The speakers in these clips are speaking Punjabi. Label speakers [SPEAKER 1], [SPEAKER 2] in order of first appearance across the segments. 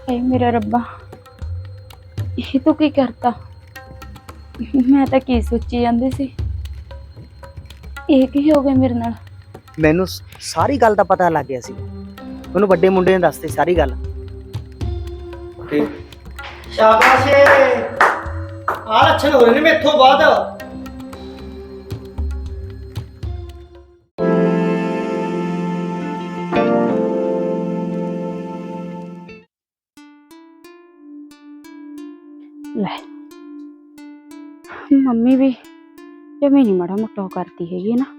[SPEAKER 1] ਹਾਏ ਮੇਰਾ ਰੱਬਾ, ਇਹ ਤੂੰ ਕੀ ਕਰਤਾ? ਮੈਂ ਤਾਂ ਕੀ ਸੋਚੀ ਜਾਂਦੀ ਸੀ, ਇਹ ਕੀ ਹੋ ਗਿਆ ਮੇਰੇ ਨਾਲ?
[SPEAKER 2] ਮੈਨੂੰ ਸਾਰੀ ਗੱਲ ਦਾ ਪਤਾ ਲੱਗ ਗਿਆ ਸੀ। ਮੈਨੂੰ ਵੱਡੇ ਮੁੰਡੇ ਨੇ ਦੱਸਤੀ ਸਾਰੀ ਗੱਲ। ਤੇ
[SPEAKER 3] ਸ਼ਾਬਾਸ਼ ਆ ਲੱਛਣ ਹੋ ਰਹੇ ਨੇ ਮੇਥੋਂ ਬਾਅਦ।
[SPEAKER 1] ਲੈ ਮੰਮੀ ਵੀ ਜਮੀ ਨਹੀਂ ਮਾੜਾ ਮੋਟਾ ਉਹ ਕਰਦੀ ਹੈਗੀ ਨਾ।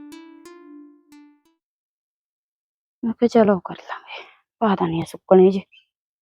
[SPEAKER 1] ਮੈਂ ਕਿਹਾ ਚਲੋ ਕਰ ਲਾਂਗੇ, ਪਤਾ ਨਹੀਂ ਸੁੱਕਣੇ ਜੇ।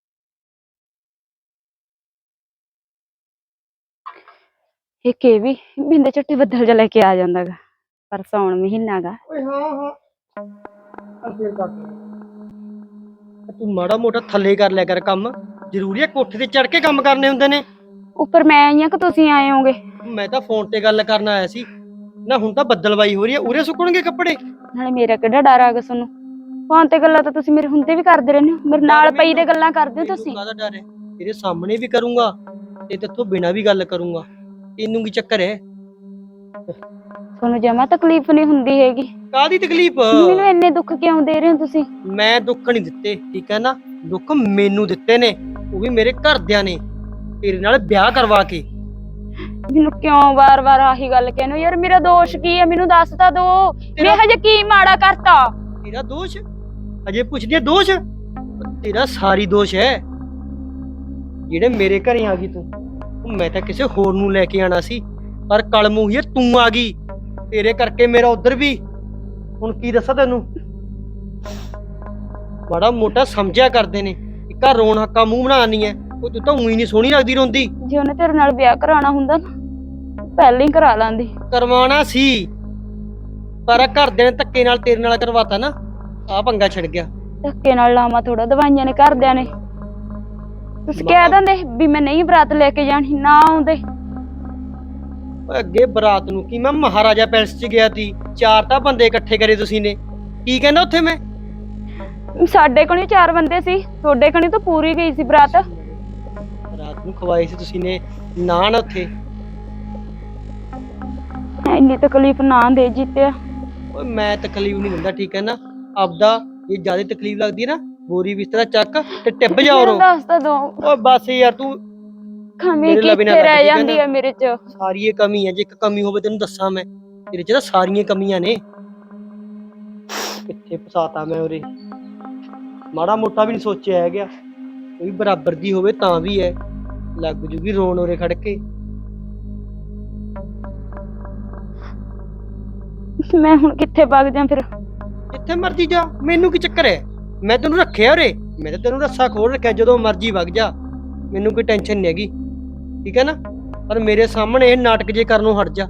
[SPEAKER 1] ਇੱਕ ਇਹ ਵੀ ਬਿੰਦੇ ਝੱਟੇ ਬੱਦਲ ਜਿਹਾ ਲੈ ਕੇ ਆ ਜਾਂਦਾ ਗਾ, ਪਰ ਸਾਉਣ ਮਹੀਨਾ ਗਾ।
[SPEAKER 3] ਓਏ ਹਾਂ ਅੱਗੇ ਕਰ ਤੂੰ ਮਾੜਾ ਮੋਟਾ ਥੱਲੇ ਕਰ ਲਿਆ ਕਰ ਕੰਮ। ਜ਼ਰੂਰੀ ਹੈ ਕੋਠੇ ਤੇ ਚੜ ਕੇ ਕੰਮ ਕਰਨੇ ਹੁੰਦੇ ਨੇ?
[SPEAKER 1] ਉੱਪਰ ਮੈਂ ਆਈ ਆ ਕਿ ਤੁਸੀਂ ਆਏ ਹੋਗੇ?
[SPEAKER 3] ਮੈਂ ਤਾਂ ਫੋਨ ਤੇ ਗੱਲ ਕਰਨ ਆਇਆ ਸੀ ਨਾ। ਹੁਣ ਤਾਂ ਬੱਦਲਵਾਈ ਹੋ ਰਹੀ ਹੈ, ਉਰੇ ਸੁੱਕਣਗੇ ਕੱਪੜੇ।
[SPEAKER 1] ਨਾਲੇ ਮੇਰਾ ਕਿਹੜਾ ਡਰ ਆ ਗਿਆ ਤੁਹਾਨੂੰ? ਫੋਨ ਤੇ ਗੱਲਾਂ ਤਾਂ ਤੁਸੀਂ ਮੇਰੇ ਹੁੰਦੇ ਵੀ ਕਰਦੇ ਰਹਿੰਦੇ ਹੋ, ਮੇਰੇ ਨਾਲ ਪਈ ਦੇ ਗੱਲਾਂ ਕਰਦੇ ਹੋ ਤੁਸੀਂ।
[SPEAKER 3] ਕਾਹਦਾ ਡਰ ਹੈ? ਤੇਰੇ ਸਾਹਮਣੇ ਵੀ ਕਰੂੰਗਾ ਤੇ ਤੇਥੋਂ ਬਿਨਾਂ ਵੀ ਗੱਲ ਕਰੂੰਗਾ। ਤੈਨੂੰ ਕੀ ਚੱਕਰ ਹੈ?
[SPEAKER 1] ਤੁਹਾਨੂੰ ਜਮਾ ਤਕਲੀਫ ਨਹੀਂ ਹੁੰਦੀ ਹੈਗੀ?
[SPEAKER 3] ਕਾਹਦੀ ਤਕਲੀਫ?
[SPEAKER 1] ਮੈਨੂੰ ਇੰਨੇ ਦੁੱਖ ਕਿਉਂ ਦੇ ਰਹੇ ਹੋ ਤੁਸੀਂ?
[SPEAKER 3] ਮੈਂ ਦੁੱਖ ਨਹੀਂ ਦਿੱਤੇ, ਠੀਕ ਹੈ ਨਾ। ਦੁੱਖ ਮੈਨੂੰ ਦਿੱਤੇ ਨੇ, ਉਹ ਵੀ ਮੇਰੇ ਘਰਦਿਆਂ ਨੇ, ਤੇਰੇ ਨਾਲ ਵਿਆਹ ਕਰਵਾ ਕੇ।
[SPEAKER 1] ਮੈਨੂੰ ਕਿਉਂ ਵਾਰ-ਵਾਰ ਆਹੀ ਗੱਲ ਕਹਿੰਦੇ ਹੋ ਯਾਰ? ਮੇਰਾ ਦੋਸ਼ ਕੀ ਹੈ, ਮੈਨੂੰ ਦੱਸ ਤਾਂ ਦੋ। ਮੈਂ ਹਜੇ ਕੀ ਮਾੜਾ ਕਰਤਾ?
[SPEAKER 3] ਤੇਰਾ ਦੋਸ਼ ਅਜੇ ਪੁੱਛਦੀ ਹੈ? ਦੋਸ਼ ਤੇਰਾ ਸਾਰੀ ਦੋਸ਼ ਹੈ ਜਿਹੜੇ ਮੇਰੇ ਘਰੇ ਆ ਗਈ ਤੂੰ। ਮੈਂ ਤਾਂ ਕਿਸੇ ਹੋਰ ਨੂੰ ਲੈ ਕੇ ਆਣਾ ਸੀ, ਪਰ ਕਲਮੂਹੀਏ ਤੂੰ ਆ ਗਈ। ਤੇਰੇ ਕਰਕੇ ਮੇਰਾ ਉਧਰ ਵੀ। ਹੁਣ ਕੀ ਦੱਸਾਂ ਤੈਨੂੰ? ਬੜਾ ਮੋਟਾ ਸਮਝਿਆ ਕਰਦੇ ਨੇ, ਇੱਕ ਆ ਰੋਣ ਹੱਕਾ ਮੂੰਹ ਬਣਾਣੀ ਹੈ। ਉਹ ਤੂੰ ਤਾਂ ਉਹੀ ਨਹੀਂ ਸੋਹਣੀ ਲੱਗਦੀ ਰੋਂਦੀ।
[SPEAKER 1] ਜੇ ਉਹਨੇ ਤੇਰੇ ਨਾਲ ਵਿਆਹ ਕਰਾਉਣਾ ਹੁੰਦਾ ਨਾ, ਪਹਿਲਾਂ ਹੀ ਕਰਾ ਲਾਂਦੀ।
[SPEAKER 3] ਕਰਵਾਉਣਾ ਸੀ, ਪਰ ਘਰਦਿਆਂ ਨੇ ਧੱਕੇ ਨਾਲ ਤੇਰੇ ਨਾਲ ਕਰਵਾਤਾ ਨਾ। ਆ ਪੰਗਾ ਛਿੜ ਗਿਆ।
[SPEAKER 1] ਧੱਕੇ ਨਾਲ ਲਾਵਾਂ ਥੋੜਾ, ਦਵਾਈਆਂ ਨੇ ਘਰਦਿਆਂ ਨੇ। ਤੁਸੀਂ ਕਹਿ ਦਿੰਦੇ ਵੀ ਮੈਂ ਨਹੀਂ ਬਰਾਤ ਲੈ ਕੇ ਜਾਣੀ, ਨਾ ਆਉਂਦੇ।
[SPEAKER 3] ਅੱਗੇ ਬਰਾਤ ਨੂੰ ਕੀ ਮੈਂ ਮਹਾਰਾਜਾ ਪੈਲਸ 'ਚ ਗਿਆ ਸੀ, 4 ਤਾਂ ਬੰਦੇ ਇਕੱਠੇ ਕਰੇ ਤੁਸੀਂ ਨੇ। ਕੀ ਕਹਿੰਦਾ ਉੱਥੇ ਮੈਂ?
[SPEAKER 1] ਸਾਡੇ ਕੋਲ 4 ਬੰਦੇ ਸੀ, ਤੁਹਾਡੇ ਕੋਲ ਤਾਂ ਪੂਰੀ ਗਈ ਸੀ ਬਰਾਤ।
[SPEAKER 3] ਰਾਤ ਨੂੰ ਖਵਾਈ ਸੀ ਤੁਸੀਂ ਨੇ ਨਾਨ ਉੱਥੇ।
[SPEAKER 1] ਇੰਨੀ ਤਕਲੀਫ ਨਾ ਦੇ ਜਿੱਤਿਆ।
[SPEAKER 3] ਓਏ ਮੈਂ ਤਕਲੀਫ ਨਹੀਂ ਦਿੰਦਾ, ਠੀਕ ਹੈ ਨਾ। ਆਪਦਾ ਇਹ ਜਿਆਦਾ ਤਕਲੀਫ ਲੱਗਦੀ ਹੈ ਨਾ, ਬੋਰੀ ਬਿਸਤਰਾ ਚੱਕ ਤੇ ਟਿੱਬ ਜਾ ਉਰੋਂ।
[SPEAKER 1] ਦੱਸ ਤਾਂ ਦੋ।
[SPEAKER 3] ਓਏ ਬਸ ਯਾਰ ਤੂੰ
[SPEAKER 1] ਕਮੀ ਕਿੱਥੇ ਰਹਿ ਜਾਂਦੀ ਹੈ ਮੇਰੇ 'ਚ?
[SPEAKER 3] ਸਾਰੀ ਇਹ ਕਮੀ ਹੈ। ਜੇ ਇੱਕ ਕਮੀ ਹੋਵੇ ਤੈਨੂੰ ਦੱਸਾਂ ਮੈਂ, ਤੇਰੇ 'ਚ ਤਾਂ ਸਾਰੀਆਂ ਕਮੀਆਂ ਨੇ। ਕਿੱਥੇ ਫਸਾਤਾ ਮੈਂ ਉਰੇ। ਮਾੜਾ ਮੋਟਾ ਵੀ ਨਹੀਂ ਸੋਚਿਆ ਹੈਗਾ, ਕੋਈ ਬਰਾਬਰ ਦੀ ਹੋਵੇ ਤਾਂ ਵੀ ਹੈ। ਲੱਗ ਜੂਗੀ ਰੋਣ ਉਰੇ ਖੜ ਕੇ।
[SPEAKER 1] ਮੈਂ ਹੁਣ ਕਿੱਥੇ ਵਗ ਜਾ ਫਿਰ?
[SPEAKER 3] ਜਿੱਥੇ ਮਰਜੀ ਜਾ, ਮੈਨੂੰ ਕੀ ਚੱਕਰ ਹੈ? ਮੈਂ ਤੈਨੂੰ ਰੱਖਿਆ ਉਰੇ, ਮੈਂ ਤਾਂ ਤੈਨੂੰ ਰੱਸਾ ਖੋਲ ਰੱਖਿਆ। ਜਦੋਂ ਮਰਜੀ ਵਗ ਜਾ, ਮੈਨੂੰ ਕੋਈ ਟੈਨਸ਼ਨ ਨਹੀਂ ਹੈਗੀ, ਠੀਕ ਹੈ ਨਾ। ਪਰ ਮੇਰੇ ਸਾਹਮਣੇ ਇਹ ਨਾਟਕ ਜੇ ਕਰਨੋਂ ਹਟ ਜਾ।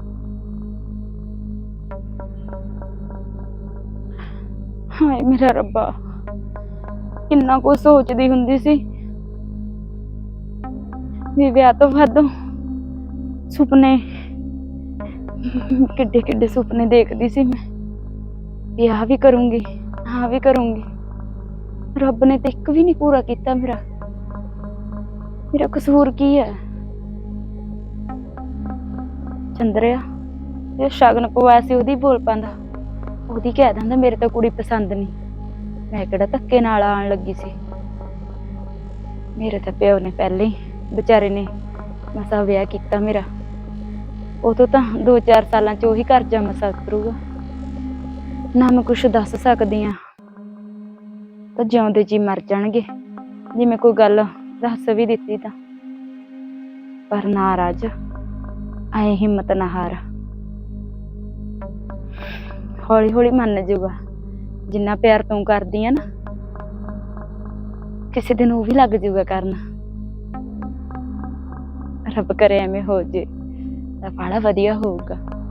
[SPEAKER 1] ਹਾਏ ਮੇਰਾ ਰੱਬਾ, ਕਿੰਨਾ ਕੁ ਸੋਚਦੀ ਹੁੰਦੀ ਸੀ ਵੀ ਵਿਆਹ ਤੋਂ ਬਾਅਦ ਸੁਪਨੇ, ਕਿੱਡੇ ਕਿੱਡੇ ਸੁਪਨੇ ਦੇਖਦੀ ਸੀ ਮੈਂ ਵੀ ਆਹ ਵੀ ਕਰੂੰਗੀ, ਆਹ ਵੀ ਕਰੂੰਗੀ। ਰੱਬ ਨੇ ਤੇ ਇੱਕ ਵੀ ਨਹੀਂ ਪੂਰਾ ਕੀਤਾ ਮੇਰਾ। ਮੇਰਾ ਕਸੂਰ ਕੀ ਹੈ? ਚੰਦਰਿਆ ਇਹ ਸ਼ਗਨ ਪਵਾਇਆ ਸੀ, ਉਹਦੀ ਬੋਲ ਪਾਂਦਾ, ਉਹਦੀ ਕਹਿ ਦਿੰਦਾ ਮੇਰੇ ਤਾਂ ਕੁੜੀ ਪਸੰਦ ਨਹੀਂ। ਮੈਂ ਕਿਹੜਾ ਧੱਕੇ ਨਾਲ ਆਉਣ ਲੱਗੀ ਸੀ? ਮੇਰੇ ਤਾਂ ਪਿਓ ਨੇ ਪਹਿਲੇ ਹੀ ਵਿਚਾਰੇ ਨੇ ਮਸਾ ਵਿਆਹ ਕੀਤਾ ਮੇਰਾ। ਉਦੋਂ ਤਾਂ 2-4 ਸਾਲਾਂ 'ਚ ਉਹੀ ਕਰਜ਼ਾ ਮਸਾ ਕਰੂਗਾ ਨਾ। ਮੈਂ ਕੁਛ ਦੱਸ ਸਕਦੀ ਹਾਂ ਤਾਂ ਜਿਉਂਦੇ ਜੀ ਮਰ ਜਾਣਗੇ ਜੇ ਮੈਂ ਕੋਈ ਗੱਲ ਦੱਸ ਵੀ ਦਿੱਤੀ ਤਾਂ। ਪਰ ਨਾ ਰਾਜ, ਐ ਹਿੰਮਤ ਨਾ ਹਾਰ। ਹੌਲੀ ਹੌਲੀ ਮੰਨ ਜਾਊਗਾ। ਜਿੰਨਾ ਪਿਆਰ ਤੂੰ ਕਰਦੀ ਆ ਨਾ, ਕਿਸੇ ਦਿਨ ਉਹ ਵੀ ਲੱਗ ਜਾਊਗਾ ਕਰਨ। ਰੱਬ ਕਰੇ ਐਵੇਂ ਹੋ ਜੇ ਤਾਂ ਬੜਾ ਵਧੀਆ ਹੋਊਗਾ।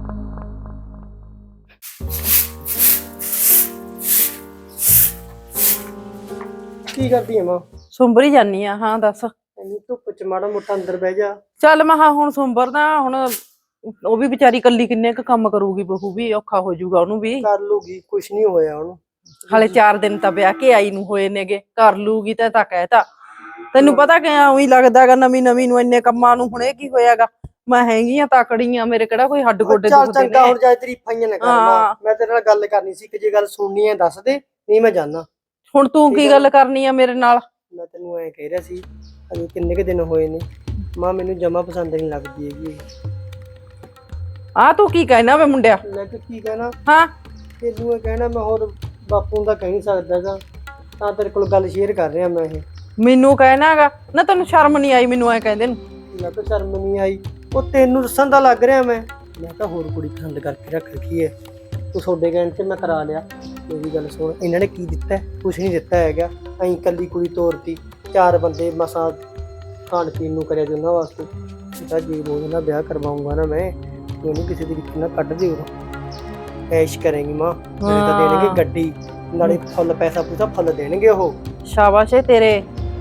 [SPEAKER 3] ਕੀ ਕਰਦੀ ਐ ਮਾਂ?
[SPEAKER 4] ਸੁੰਬਰ ਹੀ ਜਾਨੀ ਆ। ਹਾਂ ਦੱਸ।
[SPEAKER 3] ਇੰਨੀ ਧੁੱਪ 'ਚ ਮਾੜਾ ਮੋਟਾ ਅੰਦਰ ਬਹਿ ਜਾ।
[SPEAKER 4] ਚੱਲ ਮਹਾ ਹੁਣ ਸੁੰਬਰਦਾ। ਹੁਣ ਉਹ ਵੀ ਵਿਚਾਰੀ ਕੱਲੀ ਕਿੰਨੇ ਕੁ ਕੰਮ ਕਰੂਗੀ, ਬਹੂ ਵੀ ਔਖਾ ਹੋ ਜਾਊਗਾ ਉਹਨੂੰ ਵੀ।
[SPEAKER 3] ਕਰ ਲੂਗੀ, ਕੁਛ ਨਹੀਂ ਹੋਇਆ ਉਹਨੂੰ।
[SPEAKER 4] ਹਾਲੇ 4 ਦਿਨ ਤਾਂ ਵਿਆਹ ਕੇ ਆਈ ਨੂੰ ਹੋਏ ਨੇਗੇ। ਕਰ ਲੂਗੀ ਤਾਂ ਕਹਿਤਾ। ਤੈਨੂੰ ਪਤਾ ਕਿ ਉਹੀ ਲੱਗਦਾਗਾ ਨਵੀਂ ਨਵੀਂ ਨੂੰ ਇੰਨੇ ਕੰਮਾਂ ਨੂੰ, ਹੁਣ ਇਹ ਕੀ ਹੋਇਆਗਾ। ਮੈਂ ਹੈਗੀ ਆ ਤਕੜੀ ਆ, ਮੇਰੇ ਕਿਹੜਾ ਕੋਈ ਹੱਡ ਗੋਡੇ
[SPEAKER 3] ਚੱਲ
[SPEAKER 4] ਦੁਖਦੇ
[SPEAKER 3] ਚੰਗਾ,
[SPEAKER 4] ਨੇ।
[SPEAKER 3] ਹੁਣ ਜਾਏ ਤਰੀਫਾਈਆਂ ਨਾ ਕਰ
[SPEAKER 4] ਹਾਂ।
[SPEAKER 3] ਮੈਂ ਤੇਰੇ ਨਾਲ ਗੱਲ ਕਰਨੀ ਸੀ ਕਿ ਜੇ ਗੱਲ ਸੁਣਨੀ ਹੈ ਦੱਸ ਦੇ, ਨਹੀਂ ਮੈਂ ਜਾਣਾ।
[SPEAKER 4] ਹੁਣ ਤੂੰ ਕੀ ਗੱਲ ਕਰਨੀ ਆ ਮੇਰੇ ਨਾਲ?
[SPEAKER 3] ਮੈਂ ਤੈਨੂੰ ਐ ਕਹਿ ਰਿਹਾ ਸੀ, ਅਜੇ ਕਿੰਨੇ ਕੁ ਦਿਨ ਹੋਏ ਨੇ, ਮਾਂ ਮੈਨੂੰ ਜਮਾ ਪਸੰਦ ਨਹੀਂ ਲੱਗਦੀ ਹੈਗੀ।
[SPEAKER 4] ਆ ਤੂੰ ਕੀ ਕਹਿਣਾ ਵੇ ਮੁੰਡਿਆ?
[SPEAKER 3] ਮੈਂ ਕਿ ਕੀ ਕਹਿਣਾ,
[SPEAKER 4] ਹਾਂ
[SPEAKER 3] ਤੈਨੂੰ ਇਹ ਕਹਿਣਾ ਮੈਂ ਹੋਰ ਬਾਪੂ ਨੂੰ ਤਾਂ ਕਹਿ ਨਹੀਂ ਸਕਦਾਗਾ, ਤਾਂ ਤੇਰੇ ਕੋਲ ਗੱਲ ਸ਼ੇਅਰ ਕਰ ਰਿਹਾ ਮੈਂ ਇਹ।
[SPEAKER 4] ਮੈਨੂੰ ਕਹਿਣਾਗਾ ਨਾ, ਤੈਨੂੰ ਸ਼ਰਮ ਨਹੀਂ ਆਈ ਮੈਨੂੰ ਐ ਕਹਿੰਦੇ ਨੂੰ?
[SPEAKER 3] ਮੈਂ ਤਾਂ ਸ਼ਰਮ ਨਹੀਂ ਆਈ, ਉਹ ਤੈਨੂੰ ਦੱਸਣ ਦਾ ਲੱਗ ਰਿਹਾ ਮੈਂ ਤਾਂ ਹੋਰ ਕੁੜੀ ਪਸੰਦ ਕਰਕੇ ਰੱਖ ਰੱਖੀ ਹੈ। ਤੂੰ ਤੁਹਾਡੇ ਕਹਿਣ ਤੇ ਮੈਂ ਕਰਾ ਲਿਆ। ਮੇਰੀ ਗੱਲ ਸੁਣ, ਇਹਨਾਂ ਨੇ ਕੀ ਦਿੱਤਾ? ਕੁਛ ਨਹੀਂ ਦਿੱਤਾ ਹੈਗਾ। ਅਸੀਂ ਇਕੱਲੀ ਕੁੜੀ ਤੋਰਤੀ, 4 ਬੰਦੇ ਮਸਾਂ ਖਾਣ ਪੀਣ ਨੂੰ ਕਰਿਆ ਜੀ ਉਹਨਾਂ ਵਾਸਤੇ। ਤਾਂ ਜੇ ਰੋਜ਼ ਨਾਲ ਵਿਆਹ ਕਰਵਾਉਂਗਾ ਨਾ ਮੈਂ, ਉਹਨੂੰ ਕਿਸੇ ਤਰੀਕੇ ਨਾਲ ਕੱਢ ਦਿਓ। ਐਸ਼ ਕਰੇਂਗੀ ਮਾਂ, ਮੇਰੇ ਤਾਂ ਦੇਣਗੇ ਗੱਡੀ, ਨਾਲੇ ਫੁੱਲ ਪੈਸਾ ਪੂਸਾ ਫੁੱਲ ਦੇਣਗੇ ਉਹ।
[SPEAKER 4] ਸ਼ਾਬਾਸ਼ ਏ ਤੇਰੇ,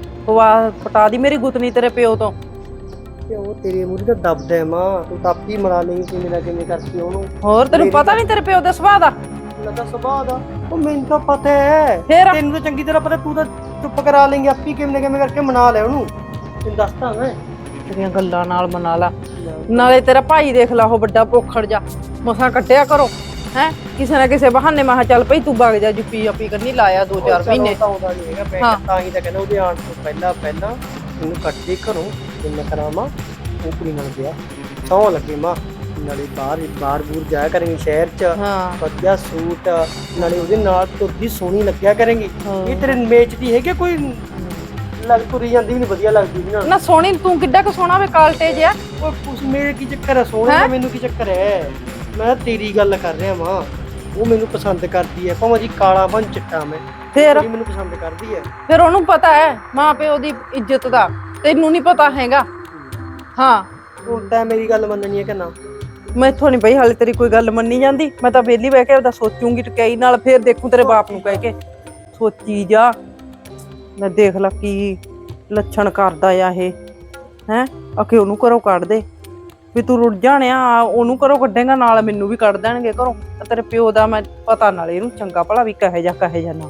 [SPEAKER 4] ਪਟਾ ਦੀ ਮੇਰੀ ਗੁੱਤਨੀ ਤੇਰੇ ਪਿਓ ਤੋਂ।
[SPEAKER 3] ਤੇ ਉਹ ਤੇਰੇ ਮੂਹਰੇ ਤਾਂ ਦੱਬਦਾ ਮਾਂ, ਤੂੰ ਤਾਂ ਆਪੀ ਮਰਾ ਲੇਂਗੀ ਕਿਵੇਂ ਨਾ ਕਿਵੇਂ ਕਰਕੇ ਉਹਨੂੰ।
[SPEAKER 4] ਹੋਰ ਤੈਨੂੰ ਪਤਾ ਨਹੀਂ ਤੇਰੇ ਪਿਓ ਦੇ ਸੁਭਾਅ ਦਾ?
[SPEAKER 3] ਲੱਗਾ ਸੁਭਾਅ ਦਾ ਉਹ ਮੈਨੂੰ ਤਾਂ ਪਤਾ ਹੈ,
[SPEAKER 4] ਫੇਰ
[SPEAKER 3] ਤੈਨੂੰ ਤਾਂ ਚੰਗੀ ਤਰ੍ਹਾਂ ਪਤਾ, ਤੂੰ ਤਾਂ ਚੁੱਪ ਕਰਾ ਲੇਂਗੀ ਆਪੀ ਕਿਵੇਂ ਨਾ ਕਿਵੇਂ ਕਰਕੇ ਮਨਾ ਲੈ ਉਹਨੂੰ। ਤੈਨੂੰ ਦੱਸਦਾ ਮੈਂ
[SPEAKER 4] ਤੇਰੀਆਂ ਗੱਲਾਂ ਨਾਲ ਮਨਾ ਲਾ। ਨਾਲੇ ਤੇਰਾ ਭਾਈ ਦੇਖ ਲਾ, ਉਹ ਵੱਡਾ ਪੋਖੜ ਜਾ, ਮਸਾਂ ਕੱਢਿਆ ਕਰੋ ਹੈ ਕਿਸੇ ਨਾ ਕਿਸੇ ਬਹਾਨੇ। ਮੈਂ ਚੱਲ ਪਈ ਤੂੰ ਵਗ ਜਾ, ਜੁੱਪੀ ਆਪੀ ਕਰਨੀ ਲਾਇਆ 2-4 ਮਹੀਨੇ।
[SPEAKER 3] ਆਉਂਦਾ ਨਹੀਂ ਹੈਗਾ, ਮੈਂ ਤਾਂ ਹੀ ਤਾਂ ਕਹਿੰਦਾ ਉਹਦੇ ਆਉਣ ਤੋਂ ਪਹਿਲਾਂ ਇਹਨੂੰ ਕੱਢ ਦੇ ਘਰੋਂ, ਤੇ ਮੈਂ ਕਰਾਵਾਂ ਉਹ ਕੁੜੀ ਨਾਲ ਵਿਆਹ। ਸੌਂ ਲੱਗੇ ਮਾਂ, ਨਾਲੇ ਬਾਹਰ ਬੂਰ ਜਾਇਆ ਕਰਾਂਗੇ ਸ਼ਹਿਰ ਚ, ਵਧੀਆ ਸੂਟ, ਨਾਲੇ ਉਹਦੇ ਨਾਲ ਤੁਰਦੀ ਸੋਹਣੀ ਲੱਗਿਆ ਕਰਾਂਗੀ। ਇਹ ਤੇਰੇ ਮੇਚ ਦੀ ਹੈਗੀ ਕੋਈ ਲੱਗ ਤੁਰੀ ਜਾਂਦੀ ਵੀ ਨਹੀਂ ਵਧੀਆ ਲੱਗਦੀ ਵੀ
[SPEAKER 4] ਨਾ ਸੋਹਣੀ? ਤੂੰ ਕਿੱਡਾ ਕੁ ਸੋਹਣਾ ਵੇ, ਕਾਲਟੇ ਜਿਹਾ।
[SPEAKER 3] ਉਹ ਕੁਛ ਮੇਰੇ ਕੀ ਚੱਕਰ ਹੈ ਸੋਹਣੇ ਦਾ, ਮੈਨੂੰ ਕੀ ਚੱਕਰ ਹੈ? ਮੈਂ ਤੇਰੀ ਗੱਲ ਕਰ ਰਿਹਾ ਮਾਂ, ਉਹ ਮੈਨੂੰ ਪਸੰਦ ਕਰਦੀ ਹੈ, ਭਾਵੇਂ ਜੀ ਕਾਲਾ ਬਣ ਚਿੱਟਾ ਮੈਂ,
[SPEAKER 4] ਫੇਰ
[SPEAKER 3] ਮੈਨੂੰ ਪਸੰਦ ਕਰਦੀ ਹੈ।
[SPEAKER 4] ਫਿਰ ਉਹਨੂੰ ਪਤਾ ਹੈ ਮਾਂ ਪਿਓ ਦੀ ਇੱਜ਼ਤ ਦਾ, ਤੈਨੂੰ ਨਹੀਂ ਪਤਾ ਹੈਗਾ। ਹਾਂ
[SPEAKER 3] ਹੁਣ ਤਾਂ ਮੇਰੀ ਗੱਲ ਮੰਨਣੀ ਹੈ ਕਿ ਨਾ?
[SPEAKER 4] ਮੈਥੋਂ ਨਹੀਂ ਬਈ ਹਾਲੇ ਤੇਰੀ ਕੋਈ ਗੱਲ ਮੰਨੀ ਜਾਂਦੀ। ਮੈਂ ਤਾਂ ਵਿਹਲੀ ਬਹਿ ਕੇ ਉਹਦਾ ਸੋਚੂਗੀ ਟਕਈ ਨਾਲ, ਫੇਰ ਦੇਖੂ ਤੇਰੇ ਬਾਪ ਨੂੰ ਕਹਿ ਕੇ। ਸੋਚੀ ਜਾ, ਮੈਂ ਦੇਖ ਲਾ ਕੀ ਲੱਛਣ ਕਰਦਾ ਆ ਇਹ ਹੈ। ਆਖੇ ਉਹਨੂੰ ਘਰੋਂ ਕੱਢ ਦੇ, ਵੀ ਤੂੰ ਰੁੱਝ ਜਾਣਿਆ, ਉਹਨੂੰ ਘਰੋਂ ਕੱਢੇਗਾ ਨਾਲ ਮੈਨੂੰ ਵੀ ਕੱਢ ਦੇਣਗੇ ਘਰੋਂ। ਤੇਰੇ ਪਿਓ ਦਾ ਮੈਂ ਪਤਾ ਨਾਲੇ ਇਹਨੂੰ ਚੰਗਾ ਭਲਾ ਵੀ ਕਹੇ ਜਾ ਨਾ।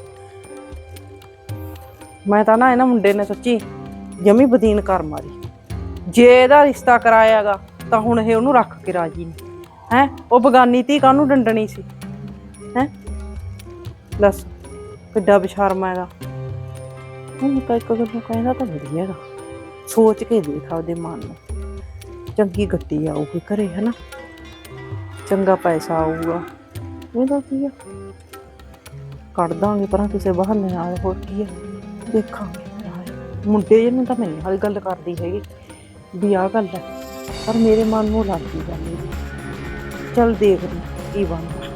[SPEAKER 4] ਮੈਂ ਤਾਂ ਨਾ ਇਹਨਾਂ ਮੁੰਡੇ ਨੇ ਸੱਚੀ ਜਮੀ ਬਦੀਨ ਕਰ ਮਾਰੀ। ਜੇ ਇਹਦਾ ਰਿਸ਼ਤਾ ਕਰਾਇਆਗਾ ਤਾਂ ਹੁਣ ਇਹ ਉਹਨੂੰ ਰੱਖ ਕੇ ਰਾਜੀ ਨਹੀਂ ਹੈ। ਉਹ ਬਗਾਨੀ ਧੀ ਕਾਹਨੂੰ ਡੰਡਣੀ ਸੀ ਹੈ? ਦੱਸ ਕਿੱਡਾ ਬੇਸ਼ਰਮ ਹੈਗਾ। ਹੁਣ ਤਾਂ ਇੱਕ ਗੱਲ ਨੂੰ ਕਹਿੰਦਾ ਤਾਂ ਵਧੀਆ ਹੈਗਾ, ਸੋਚ ਕੇ ਦੇਖ ਆਪਦੇ ਮਨ ਨੂੰ। ਚੰਗੀ ਗੱਡੀ ਆਊਗੀ ਘਰੇ ਹਨਾ, ਚੰਗਾ ਪੈਸਾ ਆਊਗਾ, ਇਹਦਾ ਕੀ ਆ? ਕੱਢ ਦਾਂਗੇ ਪਰਾਂ ਕਿਸੇ ਬਹਾਨੇ ਨਾਲ, ਹੋਰ ਕੀ ਆ? ਦੇਖਾਂਗੇ। ਮੁੰਡੇ ਜਿਹਨੂੰ ਤਾਂ ਮੈਂ ਨਹੀਂ ਹਾਲੇ ਗੱਲ ਕਰਦੀ ਹੈਗੀ ਵੀ ਆਹ ਗੱਲ ਹੈ, ਪਰ ਮੇਰੇ ਮਨ ਨੂੰ ਲੱਗਦੀ ਗੱਲ ਇਹਦੀ। ਚੱਲ ਦੇਖਦੇ ਕੀ ਬਣਦਾ।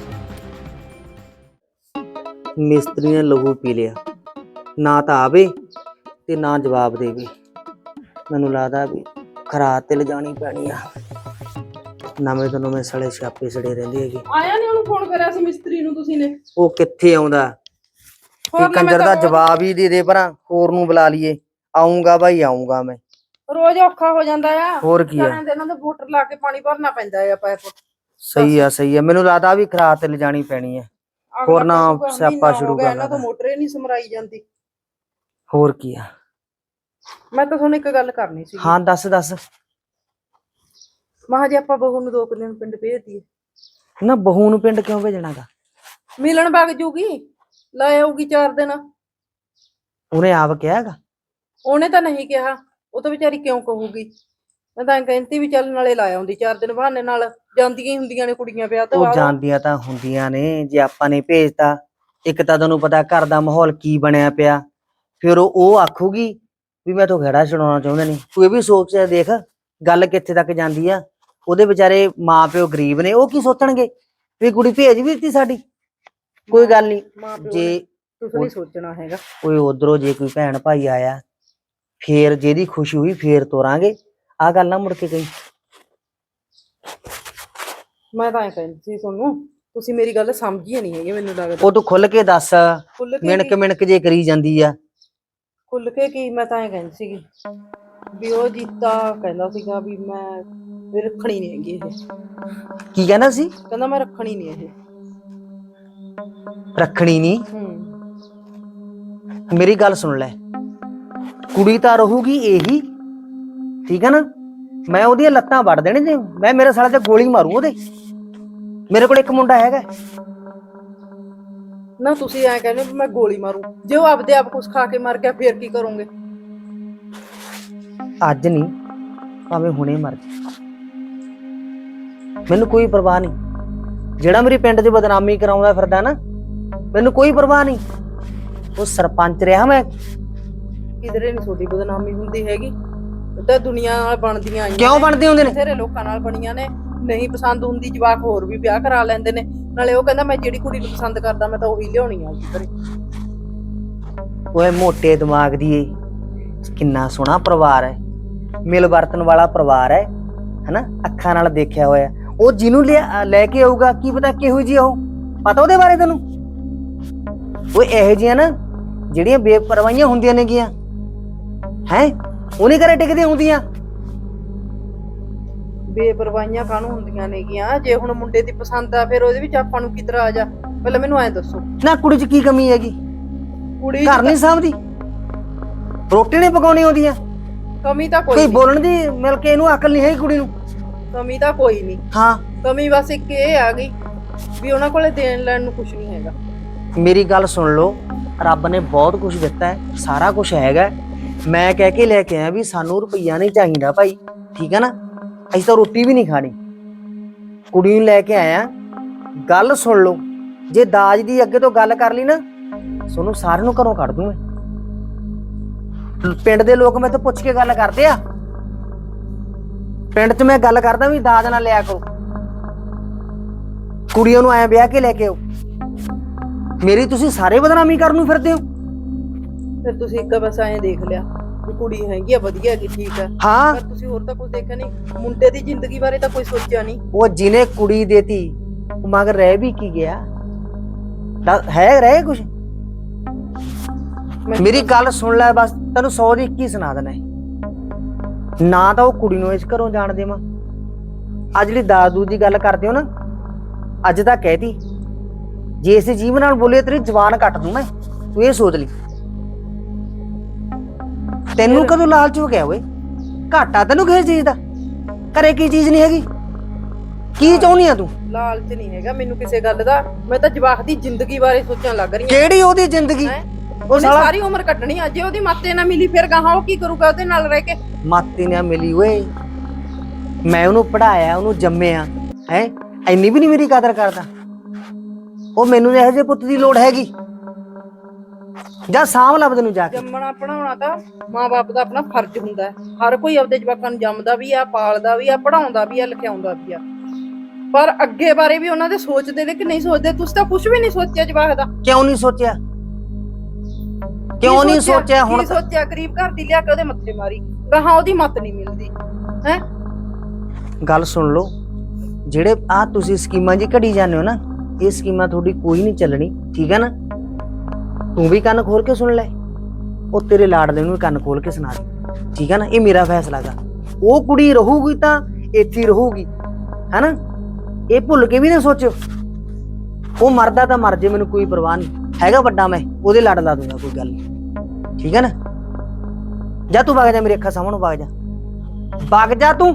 [SPEAKER 2] ਮਿਸਤਰੀ ਨੇ ਲਹੂ ਪੀ ਲਿਆ, ਨਾ ਤਾਂ ਆਵੇ ਤੇ ਨਾ ਜਵਾਬ ਦੇਵੇ। ਮੈਨੂੰ ਲੱਗਦਾ ਵੀ ਖਰਾਤ ਤੇ ਲਿਜਾਣੀ ਪੈਣੀ ਆ। ਨਵੇਂ ਤੋਂ ਨਵੇਂ ਸੜੇ ਛਾਪੇ ਸੜੇ ਰਹਿੰਦੇ ਹੈਗੇ।
[SPEAKER 4] ਆਇਆ ਨਹੀਂ? ਉਹਨੂੰ ਫੋਨ ਕਰਿਆ ਸੀ ਮਿਸਤਰੀ ਨੂੰ ਤੁਸੀਂ ਨੇ?
[SPEAKER 2] ਉਹ ਕਿੱਥੇ ਆਉਂਦਾ? ਇਹ ਕੰਜਰ ਦਾ ਜਵਾਬ ਹੀ ਦੇ ਦੇ, ਪਰਾਂ ਹੋਰ ਨੂੰ ਬੁਲਾ ਲਈਏ। ਆਉਂਗਾ ਬਾਈ, ਆਉਂਗਾ ਮੈਂ।
[SPEAKER 4] ਰੋਜ਼ ਔਖਾ ਹੋ ਜਾਂਦਾ ਆ।
[SPEAKER 2] ਹੋਰ ਕੀ ਆ,
[SPEAKER 4] ਇਹਨਾਂ ਦੇ ਮੋਟਰ ਲਾ ਕੇ ਪਾਣੀ ਭਰਨਾ ਪੈਂਦਾ ਆ ਪਾਈਪ।
[SPEAKER 2] ਸਹੀ ਆ। ਮੈਨੂੰ ਲੱਗਦਾ ਵੀ ਖਰਾਤ ਤੇ ਲਿਜਾਣੀ ਪੈਣੀ ਹੈ, ਹੋਰ ਨਾ ਸਿਆਪਾ ਸ਼ੁਰੂ ਕਰ
[SPEAKER 4] ਇਹਨਾਂ ਤੋਂ ਮੋਟਰ ਹੀ ਨਹੀਂ ਸਮਰਾਈ ਜਾਂਦੀ।
[SPEAKER 2] ਹੋਰ ਕੀ ਆ।
[SPEAKER 4] ਮੈਂ ਤਾਂ ਤੁਹਾਨੂੰ ਇੱਕ ਗੱਲ ਕਰਨੀ ਸੀ।
[SPEAKER 2] ਹਾਂ ਦੱਸ।
[SPEAKER 4] ਮਹਾ ਜੇ ਆਪਾਂ ਬਹੂ ਨੂੰ 2 ਦਿਨ ਪਿੰਡ ਭੇਜ ਦਈਏ?
[SPEAKER 2] ਨਾ ਬਹੂ ਨੂੰ ਪਿੰਡ ਕਿਉਂ ਭੇਜਣਾਗਾ?
[SPEAKER 4] ਮਿਲਣ ਵਗ ਜੂਗੀ, ਲੈ ਆਊਗੀ 4 ਦਿਨ।
[SPEAKER 2] ਉਹਨੇ ਆਪ ਕਿਹਾ ਹੈਗਾ?
[SPEAKER 4] ਉਹਨੇ ਤਾਂ ਨਹੀਂ ਕਿਹਾ, ਉਹ ਤਾਂ ਵਿਚਾਰੀ ਕਿਉਂ ਕਹੂਗੀ। ਮੈਂ ਤਾਂ ਕਹਿੰਦੀ ਵੀ ਚੱਲ ਨਾਲੇ ਲਾ ਆਉਂਦੀ 4 ਦਿਨ, ਬਹਾਨੇ ਨਾਲ ਜਾਂਦੀਆਂ ਹੀ ਹੁੰਦੀਆਂ ਨੇ ਕੁੜੀਆਂ ਵਿਆਹ ਤੋਂ
[SPEAKER 2] ਉਹ
[SPEAKER 4] ਬਾਅਦ।
[SPEAKER 2] ਜਾਂਦੀਆਂ ਤਾਂ ਹੁੰਦੀਆਂ ਨੇ, ਜੇ ਆਪਾਂ ਨੇ ਭੇਜਤਾ, ਇੱਕ ਤਾਂ ਤੁਹਾਨੂੰ ਪਤਾ ਘਰ ਦਾ ਮਾਹੌਲ ਕੀ ਬਣਿਆ ਪਿਆ, ਫਿਰ ਉਹ ਆਖੂਗੀ ਵੀ ਮੈਂ ਤੋਂ ਖੜਾ ਛਡਾਉਣਾ ਚਾਹੁੰਦੇ ਨੇ। ਤੂੰ ਇਹ ਵੀ ਸੋਚ ਦੇਖ ਗੱਲ ਕਿੱਥੇ ਤੱਕ ਜਾਂਦੀ ਆ। ਉਹਦੇ ਵਿਚਾਰੇ ਮਾਂ ਪਿਓ ਗਰੀਬ ਨੇ, ਉਹ ਕੀ ਸੋਚਣਗੇ ਵੀ ਕੁੜੀ ਭੇਜ ਵੀ ਦਿੱਤੀ ਸਾਡੀ। ਕੋਈ ਗੱਲ ਨਹੀਂ, ਜੇ
[SPEAKER 4] ਤੁਸੀਂ ਨਹੀਂ ਸੋਚਣਾ ਹੈਗਾ।
[SPEAKER 2] ਕੋਈ ਉਧਰੋਂ ਜੇ ਕੋਈ ਭੈਣ ਭਾਈ ਆਇਆ, ਫੇਰ ਜਿਹਦੀ ਖੁਸ਼ੀ ਹੋਈ ਫੇਰ ਤੋਰਾਂਗੇ। ਆਹ ਗੱਲ ਨਾ ਮੁੜ ਕੇ ਕਹੀ।
[SPEAKER 4] ਮੈਂ ਤਾਂ ਐ ਕਹਿੰਦੀ ਸੀ ਤੁਹਾਨੂੰ, ਤੁਸੀਂ ਮੇਰੀ ਗੱਲ ਸਮਝੀ ਨਹੀਂ ਹੈਗੀ ਮੈਨੂੰ ਲੱਗਦਾ।
[SPEAKER 2] ਉਹ ਤੂੰ ਖੁੱਲ ਕੇ ਦੱਸ, ਮਿਣਕ ਜੇ ਕਰੀ ਜਾਂਦੀ ਆ।
[SPEAKER 4] ਖੁੱਲ ਕੇ ਕੀ? ਮੈਂ ਤਾਂ ਐ ਕਹਿੰਦੀ ਸੀਗੀ ਵੀ ਉਹ ਜੀਤਾ ਕਹਿੰਦਾ ਸੀਗਾ ਵੀ ਮੈਂ ਰੱਖਣੀ ਨਹੀਂ ਹੈਗੀ ਇਹ।
[SPEAKER 2] ਕੀ ਕਹਿੰਦਾ ਸੀ?
[SPEAKER 4] ਕਹਿੰਦਾ ਮੈਂ ਰੱਖਣੀ ਨਹੀਂ ਇਹ।
[SPEAKER 2] ਰੱਖਣੀ ਨਹੀਂ? ਮੇਰੀ ਗੱਲ ਸੁਣ ਲੈ, ਕੁੜੀ ਤਾਂ ਰਹੂਗੀ ਇਹੀ, ਠੀਕ ਹੈ ਨਾ। ਮੈਂ ਉਹਦੀਆਂ ਲੱਤਾਂ ਵੱਢ ਦੇਣੇ ਨੇ, ਮੈਂ ਮੇਰੇ ਸਾਲੇ ਤੇ ਗੋਲੀ ਮਾਰੂ ਉਹਦੇ। ਮੇਰੇ ਕੋਲ ਇੱਕ ਮੁੰਡਾ ਹੈਗਾ।
[SPEAKER 4] ਨਾ ਤੁਸੀਂ ਐ ਕਹਿੰਦੇ ਵੀ ਮੈਂ ਗੋਲੀ ਮਾਰੂ, ਜੇ ਉਹ ਆਪਦੇ ਆਪ ਕੁਛ ਖਾ ਕੇ ਮਰ ਗਿਆ ਫੇਰ ਕੀ ਕਰੋਗੇ?
[SPEAKER 2] ਅੱਜ ਨਹੀਂ, ਭਾਵੇਂ ਹੁਣੇ ਮਰ ਜਾ, ਮੈਨੂੰ ਕੋਈ ਪਰਵਾਹ ਨਹੀਂ। ਜਿਹੜਾ ਮੇਰੀ ਪਿੰਡ 'ਚ ਬਦਨਾਮੀ ਕਰਾਉਂਦਾ ਫਿਰਦਾ ਨਾ, ਮੈਨੂੰ ਕੋਈ ਪਰਵਾਹ ਨਹੀਂ। ਉਹ ਸਰਪੰਚ ਰਿਹਾ ਮੈਂ।
[SPEAKER 4] ਕਿਧਰੇ ਨਹੀਂ ਤੁਹਾਡੀ ਬਦਨਾਮੀ ਹੁੰਦੀ ਹੈਗੀ, ਉਹ ਤਾਂ ਦੁਨੀਆ ਨਾਲ ਬਣਦੀਆਂ ਆਈਆਂ
[SPEAKER 2] ਕਿਉਂ
[SPEAKER 4] ਨੇ,
[SPEAKER 2] ਬਣਦੇ ਹੁੰਦੇ ਨੇ?
[SPEAKER 4] ਬਥੇਰੇ ਲੋਕਾਂ ਨਾਲ ਬਣੀਆਂ ਨੇ। ਨਹੀਂ ਪਸੰਦ ਹੁੰਦੀ ਜਵਾਕ ਹੋਰ ਵੀ ਵਿਆਹ ਕਰਾ ਲੈਂਦੇ ਨੇ। ਨਾਲੇ ਉਹ ਕਹਿੰਦਾ ਮੈਂ ਜਿਹੜੀ ਕੁੜੀ ਨੂੰ ਪਸੰਦ ਕਰਦਾ ਮੈਂ ਤਾਂ ਉਹੀ ਲਿਆਉਣੀ ਆ ਘਰੇ।
[SPEAKER 2] ਓਏ ਮੋਟੇ ਦਿਮਾਗ ਦੀ ਏ, ਕਿੰਨਾ ਸੋਹਣਾ ਪਰਿਵਾਰ ਹੈ, ਮਿਲ ਵਰਤਨ ਵਾਲਾ ਪਰਿਵਾਰ ਹੈ, ਹਨਾ। ਅੱਖਾਂ ਨਾਲ ਦੇਖਿਆ ਹੋਇਆ। ਉਹ ਜਿਹਨੂੰ ਲੈ ਕੇ ਆਊਗਾ ਕੀ ਪਤਾ ਕਿਹੋ ਜਿਹੀ ਉਹ, ਪਤਾ ਉਹਦੇ ਬਾਰੇ ਤੈਨੂੰ? ਉਹ ਇਹੋ ਜਿਹੀਆਂ ਨਾ ਜਿਹੜੀਆਂ ਬੇਪਰਵਾਹੀਆਂ ਹੁੰਦੀਆਂ ਨੇਗੀਆਂ, ਹੈ ਉਹਨੇ ਘਰੇ ਟਿਕਦੀਆਂ ਹੁੰਦੀਆਂ।
[SPEAKER 4] ਬੇਪਰਵਾਹੀਆਂ ਕਾਹਨੂੰ ਹੁੰਦੀਆਂ ਨੇਗੀਆਂ? ਜੇ ਹੁਣ ਮੁੰਡੇ ਦੀ ਪਸੰਦ ਆ ਫਿਰ ਉਹਦੇ ਵਿੱਚ ਆਪਾਂ ਨੂੰ ਕੀ ਤਰ੍ਹਾਂ ਆ ਜਾ? ਪਹਿਲਾਂ ਮੈਨੂੰ ਐਂ ਦੱਸੋ,
[SPEAKER 2] ਨਾ ਕੁੜੀ 'ਚ ਕੀ ਕਮੀ ਹੈਗੀ?
[SPEAKER 4] ਕੁੜੀ
[SPEAKER 2] ਘਰ ਨਹੀਂ ਸਾਂਭਦੀ, ਰੋਟੀ ਨਹੀਂ ਪਕਾਉਣੀ ਆਉਂਦੀਆਂ,
[SPEAKER 4] ਕਮੀ ਤਾਂ
[SPEAKER 2] ਕੋਈ
[SPEAKER 4] ਕੋਈ
[SPEAKER 2] ਬੋਲਣ ਦੀ ਮਿਲ ਕੇ ਇਹਨੂੰ ਅਕਲ ਨਹੀਂ ਹੈਗੀ ਕੁੜੀ ਨੂੰ।
[SPEAKER 4] ਕਮੀ ਤਾਂ ਕੋਈ ਨਹੀਂ।
[SPEAKER 2] ਹਾਂ,
[SPEAKER 4] ਕਮੀ ਬਸ ਇੱਕ ਇਹ ਆ ਗਈ ਵੀ ਉਹਨਾਂ ਕੋਲੇ ਦੇਣ ਲੈਣ ਨੂੰ ਕੁਝ ਨਹੀਂ ਹੈਗਾ।
[SPEAKER 2] ਮੇਰੀ ਗੱਲ ਸੁਣ ਲਓ, ਰੱਬ ਨੇ ਬਹੁਤ ਕੁਝ ਦਿੱਤਾ ਹੈ, ਸਾਰਾ ਕੁਝ ਹੈਗਾ। ਮੈਂ ਕਹਿ ਕੇ ਲੈ ਕੇ ਆਇਆ ਵੀ ਸਾਨੂੰ ਰੁਪਈਆ ਨਹੀਂ ਚਾਹੀਦਾ ਭਾਈ, ਠੀਕ ਹੈ ਨਾ। ਅਸੀਂ ਤਾਂ ਰੋਟੀ ਵੀ ਨਹੀਂ ਖਾਣੀ। ਕੁੜੀ ਨੂੰ ਲੈ ਕੇ ਆਇਆ, ਗੱਲ ਸੁਣ ਲਓ। ਜੇ ਦਾਜ ਦੀ ਅੱਗੇ ਤੋਂ ਗੱਲ ਕਰ ਲਈ ਨਾ, ਤੁਹਾਨੂੰ ਸਾਰਿਆਂ ਨੂੰ ਘਰੋਂ ਕੱਢ ਦੂੰ ਮੈਂ। ਪਿੰਡ ਦੇ ਲੋਕ ਮੈਥੋਂ ਪੁੱਛ ਕੇ ਗੱਲ ਕਰਦੇ ਆ। ਪਿੰਡ 'ਚ ਮੈਂ ਗੱਲ ਕਰਦਾ ਵੀ ਦਾਜ ਨਾ ਲਿਆ ਕਰੋ, ਕੁੜੀਆਂ ਨੂੰ ਐਂ ਵਿਆਹ ਕੇ ਲੈ ਕੇ ਆਓ। ਮੇਰੀ ਤੁਸੀਂ ਸਾਰੇ ਬਦਨਾਮੀ ਕਰਨ ਨੂੰ ਫਿਰਦੇ ਹੋ।
[SPEAKER 4] ਫਿਰ ਤੁਸੀਂ ਇੱਕ ਬਸ ਐਂ ਦੇਖ ਲਿਆ ਵੀ ਕੁੜੀ ਹੈਗੀ ਆ, ਵਧੀਆ ਹੈਗੀ, ਠੀਕ ਹੈ,
[SPEAKER 2] ਹਾਂ,
[SPEAKER 4] ਪਰ ਤੁਸੀਂ ਹੋਰ ਤਾਂ ਕੁਝ ਦੇਖਿਆ ਨਹੀਂ। ਮੁੰਡੇ ਦੀ ਜ਼ਿੰਦਗੀ ਬਾਰੇ ਤਾਂ ਕੋਈ ਸੋਚਿਆ ਨਹੀਂ।
[SPEAKER 2] ਉਹ ਜਿਹਨੇ ਕੁੜੀ ਦੇਤੀ ਉਹ ਮਗਰ ਰਹਿ ਵੀ ਕੀ ਗਿਆ? ਹੈ ਰਹੇ ਕੁਛ? ਮੇਰੀ ਗੱਲ ਸੁਣ ਲੈ, ਬਸ ਤੈਨੂੰ 100 ਦੀ 21 ਸੁਣਾ ਦੇਣਾ ਹੈ। ਨਾ ਤਾਂ ਉਹ ਕੁੜੀ ਨੂੰ ਇਸ ਘਰੋਂ ਜਾਣ ਦੇਵਾਂ। ਅੱਜ ਜਿਹੜੀ ਦਾਦੂ ਦੀ ਗੱਲ ਕਰਦੇ ਹੋ ਨਾ, ਅੱਜ ਤਾਂ ਕਹਿਤੀ, ਜੇ ਇਸੇ ਜੀਵਨ ਨਾਲ ਬੋਲੇ ਤੇਰੀ ਜ਼ਬਾਨ ਕੱਟ ਦੂੰ ਮੈਂ। ਤੂੰ ਇਹ ਸੋਚ ਲਈ। ਤੈਨੂੰ ਕਦੋਂ ਲਾਲਚ ਹੋ ਗਿਆ ਓਏ? ਘਾਟਾ ਤੈਨੂੰ ਕਿਸੇ ਚੀਜ਼ ਦਾ? ਘਰੇ ਕੀ ਚੀਜ਼ ਨਹੀਂ ਹੈਗੀ? ਕੀ ਚਾਹੁੰਦੀ ਆ ਤੂੰ?
[SPEAKER 4] ਲਾਲਚ ਨਹੀਂ ਹੈਗਾ ਮੈਨੂੰ ਕਿਸੇ ਗੱਲ ਦਾ, ਮੈਂ ਤਾਂ ਜਵਾਕ ਦੀ ਜ਼ਿੰਦਗੀ ਬਾਰੇ ਸੋਚਣ ਲੱਗ ਰਹੀ ਹਾਂ।
[SPEAKER 2] ਕਿਹੜੀ ਉਹਦੀ ਜ਼ਿੰਦਗੀ? ਉਹ
[SPEAKER 4] ਉਹਨੇ
[SPEAKER 2] ਸਾਲਾ
[SPEAKER 4] ਸਾਰੀ ਉਮਰ ਕੱਟਣੀ ਆ। ਜੇ ਉਹਦੀ ਮਾਤੇ ਨਾ ਮਿਲੀ ਫਿਰ ਗਾਹਾਂ ਉਹ ਕੀ ਕਰੂਗਾ ਉਹਦੇ ਨਾਲ ਰਹਿ ਕੇ?
[SPEAKER 2] ਮਾਤੀ ਨਾ ਮਿਲੀ ਓਏ, ਮੈਂ ਉਹਨੂੰ ਪੜਾਇਆ, ਉਹਨੂੰ ਜੰਮਿਆ ਹੈ। ਇੰਨੀ ਵੀ ਨਹੀਂ ਮੇਰੀ ਕਦਰ ਕਰਦਾ ਉਹ। ਮੈਨੂੰ ਇਹੋ ਜਿਹੇ ਪੁੱਤ ਦੀ ਲੋੜ ਹੈਗੀ? ਜਾਂ ਸਾਂਭ ਲੱਭ ਤੈਨੂੰ ਜਾ ਕੇ।
[SPEAKER 4] ਜੰਮਣਾ ਪੜਾਉਣਾ ਤਾਂ ਮਾਂ-ਬਾਪ ਦਾ ਆਪਣਾ ਫਰਜ਼ ਹੁੰਦਾ ਹੈ। ਹਰ ਕੋਈ ਆਪਦੇ ਜਵਾਕਾਂ ਨੂੰ ਜੰਮਦਾ ਵੀ ਆ, ਪਾਲਦਾ ਵੀ ਆ, ਪੜਾਉਂਦਾ ਵੀ ਆ, ਲਿਖਾਉਂਦਾ ਵੀ ਆ, ਪਰ ਅੱਗੇ ਬਾਰੇ ਵੀ ਉਹਨਾਂ ਦੇ ਸੋਚਦੇ ਨੇ ਕਿ ਨਹੀਂ ਸੋਚਦੇ? ਤੁਸੀਂ ਤਾਂ ਕੁਝ ਵੀ ਨਹੀਂ ਸੋਚਿਆ ਜਵਾਕ ਦਾ।
[SPEAKER 2] ਕਿਉਂ ਨਹੀਂ ਸੋਚਿਆ? ਕਿਉਂ ਨਹੀਂ ਸੋਚਿਆ? ਹੁਣ
[SPEAKER 4] ਸੋਚਿਆ ਗਰੀਬ ਘਰ ਦੀ ਲਿਆ ਕੇ ਉਹਦੇ ਮੱਥੇ ਮਾਰੀ, ਗਾਹਾਂ ਉਹਦੀ ਮੱਤ ਨਹੀਂ ਮਿਲਦੀ ਹੈ।
[SPEAKER 2] ਗੱਲ ਸੁਣ ਲਓ, ਜਿਹੜੇ ਆ ਤੁਸੀਂ ਸਕੀਮਾਂ ਜੀ ਘੜੀ ਜਾਂਦੇ ਹੋ ਨਾ, ਇਹ ਸਕੀਮਾਂ ਤੁਹਾਡੀ ਕੋਈ ਨਹੀਂ ਚੱਲਣੀ, ਠੀਕ ਹੈ ਨਾ। ਤੂੰ ਵੀ ਕੰਨ ਖੋਲ ਕੇ ਸੁਣ ਲੈ, ਉਹ ਤੇਰੇ ਲਾਡਲੇ ਨੂੰ ਵੀ ਕੰਨ ਖੋਲ ਕੇ ਸੁਣਾ ਦੇ, ਠੀਕ ਹੈ ਨਾ। ਇਹ ਮੇਰਾ ਫੈਸਲਾ ਗਾ। ਉਹ ਕੁੜੀ ਰਹੂਗੀ ਤਾਂ ਇੱਥੇ ਰਹੂਗੀ, ਹੈਨਾ। ਇਹ ਭੁੱਲ ਕੇ ਵੀ ਨਾ ਸੋਚੋ। ਉਹ ਮਰਦਾ ਤਾਂ ਮਰ ਜੇ, ਮੈਨੂੰ ਕੋਈ ਪਰਵਾਹ ਨਹੀਂ ਹੈਗਾ। ਵੱਡਾ ਮੈਂ ਉਹਦੇ ਲੜ ਲਾ ਦੂੰਗਾ, ਕੋਈ ਗੱਲ ਨਹੀਂ, ਠੀਕ ਹੈ ਨਾ। ਜਾ ਤੂੰ ਵਗ ਜਾ, ਮੇਰੇ ਅੱਖਾਂ ਸਾਹਮਣੇ ਵਗ ਜਾ, ਵਗ ਜਾ ਤੂੰ।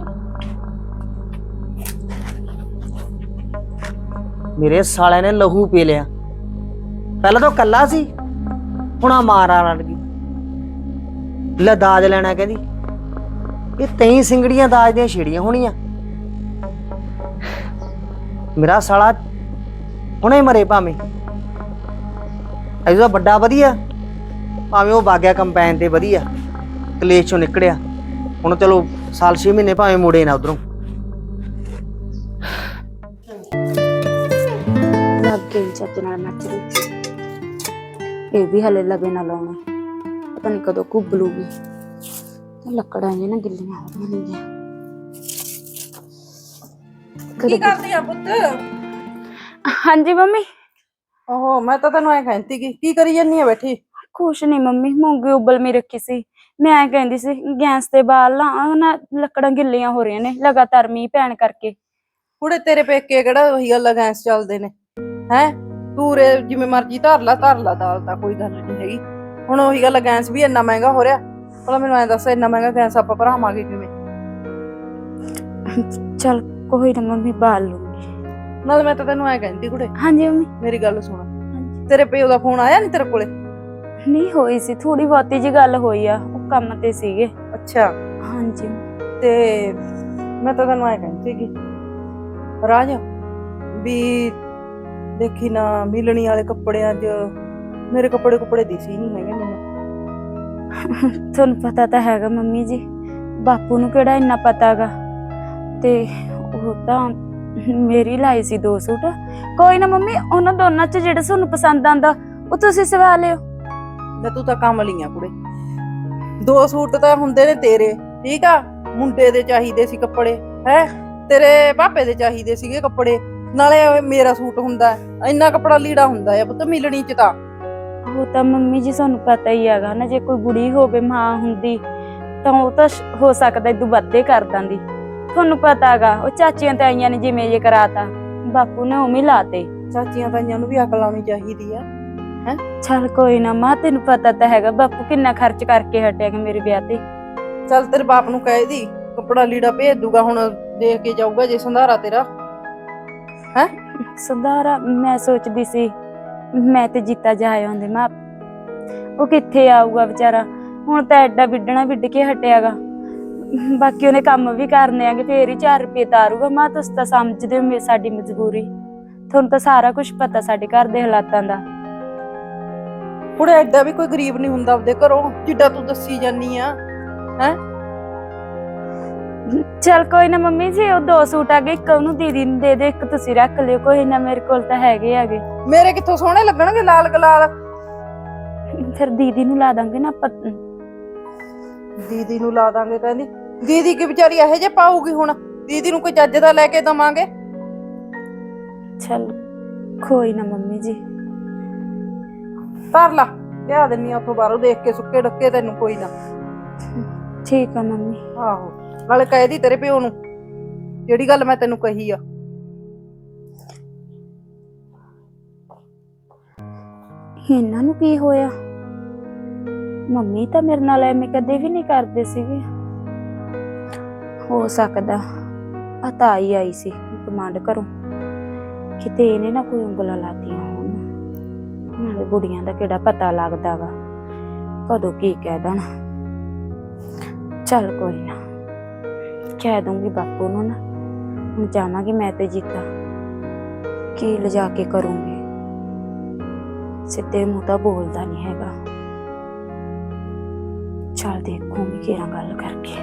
[SPEAKER 2] ਮੇਰੇ ਸਾਲੇ ਨੇ ਲਹੂ ਪੀ ਲਿਆ। ਪਹਿਲਾਂ ਤਾਂ ਕੱਲਾ ਸੀ, ਹੁਣ ਆ ਮਾਰਾ ਲੜ ਗਈ। ਲੈ ਦਾਜ ਲੈਣਾ ਕਹਿੰਦੀ। ਇਹ ਤਈ ਸਿੰਗੜੀਆਂ ਦਾਜ ਦੀਆਂ ਛੇੜੀਆਂ ਹੋਣੀਆਂ। ਮੇਰਾ ਸਾਲਾ ਹੁਣੇ ਮਰੇ ਭਾਵੇਂ, ਅਜਾ ਵੱਡਾ ਵਧੀਆ, ਭਾਵੇਂ ਉਹ ਬਾਗਿਆ ਕੰਪੈਨ ਤੇ ਵਧੀਆ ਕਲੇਸ਼ ਚੋਂ ਨਿਕੜਿਆ। ਹੁਣ ਚਲੋ ਸਾਲ 6 ਮਹੀਨੇ ਭਾਵੇਂ ਮੁੜੇ ਨਾ ਉਧਰੋਂ।
[SPEAKER 1] ਲੱਗੇ ਚੱਜ ਨਾਲ ਨੱਚ ਰਹੀ। ਇਹ ਵੀ ਹਲੇ ਲਵੇ ਨਾ ਲਾਉਣੇ, ਪਤਾ ਨਹੀਂ ਕਦੋਂ ਕੁੱਬਲੂਗੀ। ਲੱਕੜਾਂ ਜੇ ਨਾ ਗਿੱਲੀਆਂ ਹੋ ਰਹੀਆਂ ਨੇ।
[SPEAKER 4] ਕੀ ਕਰਦੀ ਆ ਪੁੱਤ?
[SPEAKER 1] ਹਾਂਜੀ ਮੰਮੀ।
[SPEAKER 4] ਓਹੋ, ਮੈਂ ਤਾਂ ਤੈਨੂੰ ਐ ਕਹਿੰਦੀ ਕੀ ਕਰੀ ਜਾਨੀ ਆ ਬੈਠੀ?
[SPEAKER 1] ਕੁਛ ਨਹੀਂ ਮੰਮੀ, ਮੂੰਗੀ ਉਬਲਮੀ ਰੱਖੀ ਸੀ। ਮੈਂ ਐ ਕਹਿੰਦੀ ਸੀ ਗੈਸ ਤੇ ਬਾਲ ਲਾ ਨਾ, ਲੱਕੜਾਂ ਗਿੱਲੀਆਂ ਹੋ ਰਹੀਆਂ ਨੇ ਲਗਾਤਾਰ ਮੀਂਹ ਪੈਣ ਕਰਕੇ।
[SPEAKER 4] ਕੁੜੇ ਤੇਰੇ ਪੇਕੇ ਕਿਹੜਾ ਉਹੀ ਗੱਲ ਗੈਸ ਚੱਲਦੇ ਨੇ ਹੈ? ਤੂੰ ਰੇ ਜਿਵੇਂ ਮਰਜੀ ਧਰ ਲਾ ਦਾਲ, ਤਾਂ ਕੋਈ ਗੱਲ ਨਹੀਂ ਹੈਗੀ। ਹੁਣ ਉਹੀ ਗੱਲ ਗੈਸ ਵੀ ਇੰਨਾ ਮਹਿੰਗਾ ਹੋ ਰਿਹਾ, ਭਲਾ ਮੈਨੂੰ ਐਂ ਦੱਸ ਇੰਨਾ ਮਹਿੰਗਾ ਗੈਸ ਆਪਾਂ ਭਰਾਵਾਂਗੇ ਕਿਵੇਂ?
[SPEAKER 1] ਚਲ ਕੋਈ ਨਾ ਮੰਮੀ ਬਾਲ ਲੂੰਗੀ।
[SPEAKER 4] ਨਾਲ ਮੈਂ ਤਾਂ ਤੈਨੂੰ ਐਂ ਕਹਿੰਦੀ ਕੁੜੇ,
[SPEAKER 1] ਹਾਂਜੀ ਮੰਮੀ।
[SPEAKER 4] ਮੇਰੀ ਗੱਲ ਸੁਣ, ਤੇਰੇ ਪਿਓ ਦਾ ਫੋਨ ਆਇਆ ਨਹੀਂ ਤੇਰੇ ਕੋਲੇ?
[SPEAKER 1] ਨਹੀਂ ਹੋਈ ਸੀ, ਥੋੜੀ ਬਹੁਤੀ ਜੀ ਗੱਲ ਹੋਈ ਆ, ਉਹ ਕੰਮ ਤੇ ਸੀਗੇ।
[SPEAKER 4] ਅੱਛਾ,
[SPEAKER 1] ਹਾਂਜੀ।
[SPEAKER 4] ਤੇ ਮੈਂ ਤਾਂ ਤੈਨੂੰ ਐਂ ਕਹਿੰਦੀ ਸੀਗੀ ਰਾਜ ਵੀ ਦੇਖੀ ਨਾ ਮਿਲਣੀ ਵਾਲੇ ਕੱਪੜਿਆਂ 'ਚ ਮੇਰੇ ਕੱਪੜੇ ਦਿਸੀ ਨਹੀਂ ਹੈਗੇ ਮੈਨੂੰ।
[SPEAKER 1] ਤੁਹਾਨੂੰ ਪਤਾ ਤਾਂ ਹੈਗਾ ਮੰਮੀ ਜੀ, ਬਾਪੂ ਨੂੰ ਕਿਹੜਾ ਇੰਨਾ ਪਤਾਗਾ, ਤੇ ਉਹ ਤਾਂ ਮੇਰੀ ਲਾਈ ਸੀ 2 ਸੂਟ। ਕੋਈ ਨਾ ਮੰਮੀ, ਉਹਨਾਂ ਦੋਨਾਂ 'ਚ ਜਿਹੜਾ ਤੁਹਾਨੂੰ ਪਸੰਦ ਆਂਦਾ ਉਹ ਤੁਸੀਂ ਸਵਾ ਲਿਓ।
[SPEAKER 4] ਲੈ ਤੂੰ ਤਾਂ ਕੰਮ ਲਈਆਂ ਕੁੜੇ, 2 ਸੂਟ ਤਾਂ ਹੁੰਦੇ ਨੇ ਤੇਰੇ, ਠੀਕ ਆ, ਮੁੰਡੇ ਦੇ ਚਾਹੀਦੇ ਸੀ ਕੱਪੜੇ, ਹੈ ਤੇਰੇ ਪਾਪੇ ਦੇ ਚਾਹੀਦੇ ਸੀਗੇ ਕੱਪੜੇ, ਨਾਲੇ ਮੇਰਾ ਸੂਟ ਹੁੰਦਾ, ਇੰਨਾ ਕੱਪੜਾ ਲੀੜਾ ਹੁੰਦਾ ਆ ਪੁੱਤ ਮਿਲਣੀ 'ਚ ਤਾਂ।
[SPEAKER 1] ਉਹ ਤਾਂ ਮੰਮੀ ਜੀ ਤੁਹਾਨੂੰ ਪਤਾ ਹੀ ਹੈਗਾ ਨਾ, ਜੇ ਕੋਈ ਕੁੜੀ ਹੋਵੇ ਮਾਂ ਹੁੰਦੀ ਤਾਂ ਉਹ ਤਾਂ ਹੋ ਸਕਦਾ ਇਦੋਂ ਵੱਧੇ ਕਰ ਦਿੰਦੀ। ਤੁਹਾਨੂੰ ਪਤਾ ਹੈਗਾ ਉਹ ਚਾਚੀਆਂ ਤੇ ਆਈਆਂ ਨੇ ਜਿਵੇਂ ਜੇ ਕਰਾਤਾ, ਬਾਪੂ ਨੇ ਉਵੇਂ ਲਾਤੇ।
[SPEAKER 4] ਚਾਚੀਆਂ ਤਾਈਆਂ ਨੂੰ ਵੀ ਅਕਲ ਆਉਣੀ ਚਾਹੀਦੀ ਆ। ਹੈ
[SPEAKER 1] ਚੱਲ ਕੋਈ ਨਾ ਮਾਂ, ਤੈਨੂੰ ਪਤਾ ਤਾਂ ਹੈਗਾ ਬਾਪੂ ਕਿੰਨਾ ਖਰਚ ਕਰਕੇ ਹਟਿਆਗਾ ਮੇਰੇ ਵਿਆਹ ਤੇ।
[SPEAKER 4] ਚੱਲ ਤੇਰੇ ਬਾਪ ਨੂੰ ਕਹਿ ਦੀ ਕੱਪੜਾ ਲੀੜਾ ਭੇਜ ਦੂਗਾ, ਹੁਣ ਦੇਖ ਕੇ ਜਾਊਗਾ ਜੇ ਸੰਧਾਰਾ ਤੇਰਾ। ਹੈ
[SPEAKER 1] ਸੰਧਾਰਾ ਮੈਂ ਸੋਚਦੀ ਸੀ ਮੈਂ ਤੇ ਜੀਤਾ ਜਾ ਆਉਂਦੇ ਮਾਂ, ਉਹ ਕਿੱਥੇ ਆਊਗਾ ਵਿਚਾਰਾ, ਹੁਣ ਤਾਂ ਐਡਾ ਵਿੱਢਣਾ ਵਿੱਢ ਕੇ ਹਟਿਆਗਾ। ਬਾਕੀ ਉਹਨੇ ਕੰਮ ਵੀ ਕਰਨੇ ਆਗੇ, ਫੇਰ ਹੀ 4 ਰੁਪਏ ਤਾਰੂਗਾ। ਮਾਂ ਤੁਸੀਂ ਤਾਂ ਸਮਝਦੇ ਹੋ ਸਾਡੀ ਮਜਬੂਰੀ, ਤੁਹਾਨੂੰ ਤਾਂ ਸਾਰਾ ਕੁਝ ਪਤਾ ਸਾਡੇ ਘਰ ਦੇ ਹਾਲਾਤਾਂ ਦਾ।
[SPEAKER 4] ਕੁੜੇ ਐਡਾ ਵੀ ਕੋਈ ਗਰੀਬ ਨਹੀਂ ਹੁੰਦਾ ਆਪਦੇ ਘਰੋਂ ਜਿੱਡਾ ਤੂੰ ਦੱਸੀ ਜਾਨੀ ਆ। ਹੈ
[SPEAKER 1] ਚਲ ਕੋਈ ਨਾ ਮੰਮੀ ਜੀ, ਉਹ 2 ਸੂਟ ਆ ਗਏ, ਇੱਕ ਉਹਨੂੰ ਦੀਦੀ ਨੂੰ ਦੇ ਦੇ, ਇੱਕ ਤੁਸੀਂ ਰੱਖ ਲਿਓ। ਕੋਈ ਨਾ ਮੇਰੇ ਕੋਲ ਤਾਂ ਹੈਗੇ ਆਗੇ।
[SPEAKER 4] ਮੇਰੇ ਕਿੱਥੋਂ ਸੋਹਣੇ ਲੱਗਣਗੇ ਲਾਲ ਗਲਾਲ?
[SPEAKER 1] ਫਿਰ ਦੀਦੀ ਨੂੰ ਲਾ ਦਾਂਗੇ ਨਾ ਆਪਾਂ।
[SPEAKER 4] ਦੀਦੀ ਨੂੰ ਲਾ ਦਾਂਗੇ ਕਹਿੰਦੀ, ਦੀਦੀ ਕੀ ਵਿਚਾਰੀ ਇਹੋ ਜਿਹੇ ਪਾਊਗੀ? ਹੁਣ ਦੀਦੀ ਨੂੰ ਕੋਈ ਚੱਜ ਦਾ ਲੈ ਕੇ ਦਵਾਂਗੇ।
[SPEAKER 1] ਚਲ ਕੋਈ ਨਾ ਮੰਮੀ ਜੀ,
[SPEAKER 4] ਧਰ ਲਾ, ਲਿਆ ਦਿੰਨੀ ਆ ਉੱਥੋਂ ਬਾਹਰੋਂ ਦੇਖ ਕੇ ਸੁੱਕੇ ਡੱਕੇ ਤੈਨੂੰ। ਕੋਈ ਨਾ,
[SPEAKER 1] ਠੀਕ ਆ ਮੰਮੀ।
[SPEAKER 4] ਆਹੋ ਨਾਲੇ ਕਹਿ ਦੀ ਤੇਰੇ ਪਿਓ ਨੂੰ ਜਿਹੜੀ ਗੱਲ ਮੈਂ ਤੈਨੂੰ ਕਹੀ ਆ।
[SPEAKER 1] ਇਹਨਾਂ ਨੂੰ ਕੀ ਹੋਇਆ? ਮੰਮੀ ਤਾਂ ਮੇਰੇ ਨਾਲ ਐਵੇਂ ਕਦੇ ਵੀ ਨਹੀਂ ਕਰਦੇ ਸੀਗੇ। ਹੋ ਸਕਦਾ ਆ ਤਾਈ ਆਈ ਸੀ ਕਮਾਂਡ ਘਰੋਂ, ਕਿਤੇ ਇਹਨੇ ਨਾ ਕੋਈ ਉਂਗਲਾਂ ਲਾਤੀਆਂ ਹੋਣ। ਨਾਲੇ ਬੁੜੀਆਂ ਦਾ ਕਿਹੜਾ ਪਤਾ ਲੱਗਦਾ ਵਾ ਕਦੋਂ ਕੀ ਕਹਿ ਦੇਣ। ਚੱਲ ਕੋਈ ਨਾ, ਕਹਿ ਦੂੰਗੀ ਬਾਪੂ ਨੂੰ ਨਾ, ਹੁਣ ਜਾਵਾਂਗੀ ਮੈਂ ਤੇ ਜੀਤਾ, ਕੀ ਲਿਜਾ ਕੇ ਕਰੂੰਗੀ। ਸਿੱਧੇ ਮੂੰਹ ਤਾਂ ਬੋਲਦਾ ਨਹੀਂ ਹੈਗਾ। ਚੱਲ ਦੇਖੂੰਗੀ ਕਿਹੜਾ ਗੱਲ ਕਰਕੇ।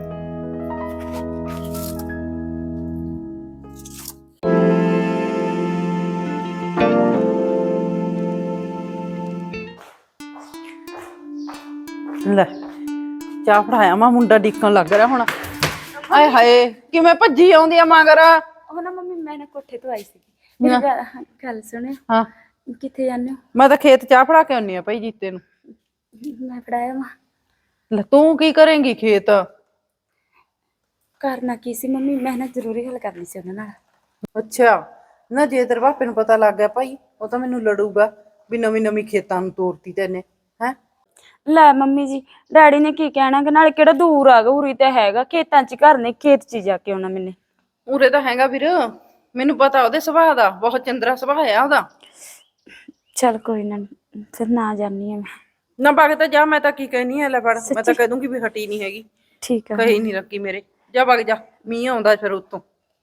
[SPEAKER 4] ਲੈ ਚਾਹ ਫੜਾਇਆ, ਮਾ ਮੁੰਡਾ ਡਿੱਕਣ ਲੱਗ ਰਿਹਾ ਹੁਣ। ਆਏ ਹਾਏ ਕਿਵੇਂ ਭੱਜੀ ਆਉਂਦੀ ਆ ਮਗਰ।
[SPEAKER 1] ਉਹ ਨਾ ਮੰਮੀ ਮੈਂ ਨਾ ਕੋਠੇ ਤੋਂ ਆਈ ਸੀ, ਮੇਰੀ ਗੱਲ ਸੁਣਿਓ।
[SPEAKER 4] ਹਾਂ
[SPEAKER 1] ਕਿੱਥੇ ਜਾਂਦੇ ਹੋ?
[SPEAKER 4] ਮੈਂ ਤਾਂ ਖੇਤ ਚਾਹ ਫੜਾ ਕੇ ਆਉਣੀ ਆ ਭਾਈ ਜੀਤੇ ਨੂੰ।
[SPEAKER 1] ਮੈਂ ਫੜਾਇਆ ਵਾ।
[SPEAKER 4] ਲੈ ਤੂੰ ਕੀ ਕਰੇਂਗੀ ਖੇਤ?
[SPEAKER 1] ਕਰਨਾ ਕੀ ਸੀ ਮੰਮੀ, ਮੈਂ ਨਾ ਜ਼ਰੂਰੀ ਗੱਲ ਕਰਨੀ ਸੀ ਉਹਨਾਂ ਨਾਲ।
[SPEAKER 4] ਅੱਛਾ ਨਾ, ਜੇ ਤੇਰੇ ਪਾਪੇ ਨੂੰ ਪਤਾ ਲੱਗ ਗਿਆ ਭਾਈ, ਉਹ ਤਾਂ ਮੈਨੂੰ ਲੜੂਗਾ ਵੀ ਨਵੀਂ ਨਵੀਂ ਖੇਤਾਂ ਨੂੰ ਤੋਰਤੀ ਤੈਨੇ। ਹੈ
[SPEAKER 1] ਲੈ ਮੰਮੀ ਜੀ, ਡੈਡੀ ਨੇ ਕੀ ਕਹਿਣਾ ਕਿ ਨਾਲੇ ਕਿਹੜਾ ਦੂਰ ਆਗਾ, ਉਰੀ ਤਾਂ ਹੈਗਾ ਖੇਤਾਂ 'ਚ, ਘਰ ਨੇ ਖੇਤ 'ਚ ਜਾ ਕੇ ਆਉਣਾ ਮੈਨੇ।
[SPEAKER 4] ਉਰੇ ਤਾਂ ਹੈਗਾ ਵੀਰ, ਮੈਨੂੰ ਪਤਾ ਉਹਦੇ ਸੁਭਾਅ ਦਾ, ਬਹੁਤ ਚੰਦਰਾ ਸੁਭਾਅ ਆ ਉਹਦਾ।
[SPEAKER 1] ਚੱਲ ਕੋਈ ਨਾ, ਫਿਰ ਨਾ ਜਾਨੀ ਆ ਮੈਂ।
[SPEAKER 4] ਨਾ ਬਾਗ ਤਾਂ ਜਾ, ਮੈਂ ਤਾਂ ਕੀ ਕਹਿਨੀ ਆ, ਲੈ ਫੜ, ਮੈਂ ਤਾਂ ਕਹਿ ਦੂੰਗੀ ਵੀ ਹਟੀ ਨਹੀਂ ਹੈਗੀ,
[SPEAKER 1] ਠੀਕ ਆ।
[SPEAKER 4] ਕਹੀ ਨਹੀਂ ਰੱਖੀ ਮੇਰੇ। ਜਾ ਬਾਗ ਜਾ, ਮੀਂਹ ਆਉਂਦਾ ਫਿਰ ਉੱਤੋਂ।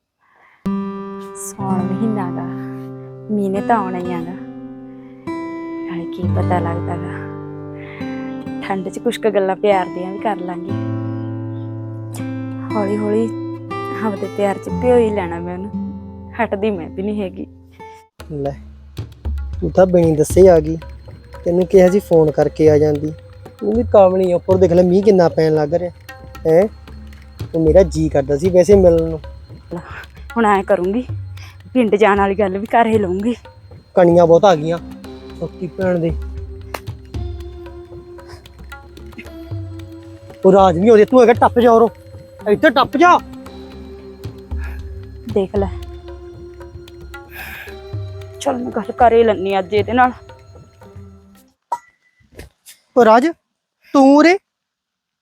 [SPEAKER 1] ਸੌਣ ਮਹੀਨਾ ਗਾ, ਮੀਂਹ ਨੇ ਤਾਂ ਆਉਣਾ ਹੀ ਆਗਾ, ਨਾਲੇ ਕੀ ਪਤਾ ਲੱਗਦਾਗਾ, ਠੰਡ 'ਚ ਕੁਛ ਕੁ ਗੱਲਾਂ ਪਿਆਰ ਦੀਆਂ ਵੀ ਕਰ ਲਾਂਗੇ। ਹੌਲੀ ਹੌਲੀ ਆਪਦੇ ਪਿਆਰ 'ਚ ਭਿਓ ਹੀ ਲੈਣਾ ਮੈਂ ਉਹਨੂੰ, ਹਟਦੀ ਮੈਂ ਵੀ ਨਹੀਂ ਹੈਗੀ।
[SPEAKER 3] ਲੈ ਤੂੰ ਤਾਂ ਬਿਨੀ ਦੱਸੇ ਆ ਗਈ, ਤੈਨੂੰ ਕਿਹਾ ਸੀ ਫੋਨ ਕਰਕੇ ਆ ਜਾਂਦੀ। ਤੂੰ ਵੀ ਕਾਮਣੀ ਆ, ਉੱਪਰ ਦੇਖ ਲੈ ਮੀਂਹ ਕਿੰਨਾ ਪੈਣ ਲੱਗ ਰਿਹਾ ਹੈ। ਉਹ ਮੇਰਾ ਜੀ ਕਰਦਾ ਸੀ ਵੈਸੇ ਮਿਲਣ ਨੂੰ।
[SPEAKER 1] ਹੁਣ ਐ ਕਰੂੰਗੀ, ਪਿੰਡ ਜਾਣ ਵਾਲੀ ਗੱਲ ਵੀ ਕਰ ਹੀ ਲਊਂਗੀ।
[SPEAKER 3] ਕਣੀਆਂ ਬਹੁਤ ਆ ਗਈਆਂ ਸੋਤੀ ਭੈਣ ਦੇ। ਉਹ ਰਾਜ ਨਹੀਂ ਉਹਦੇ, ਤੂੰ ਹੈਗਾ ਟੱਪ ਜਾ ਉਰੋਂ, ਇੱਥੇ ਟੱਪ ਜਾ।
[SPEAKER 1] ਦੇਖ ਲੈ, ਚਲ ਮੈਂ ਗੱਲ ਕਰ ਹੀ ਲੈਣੀ ਅੱਜ ਇਹਦੇ ਨਾਲ।
[SPEAKER 3] ਉਹ ਰਾਜ ਤੂੰ ਉਰੇ,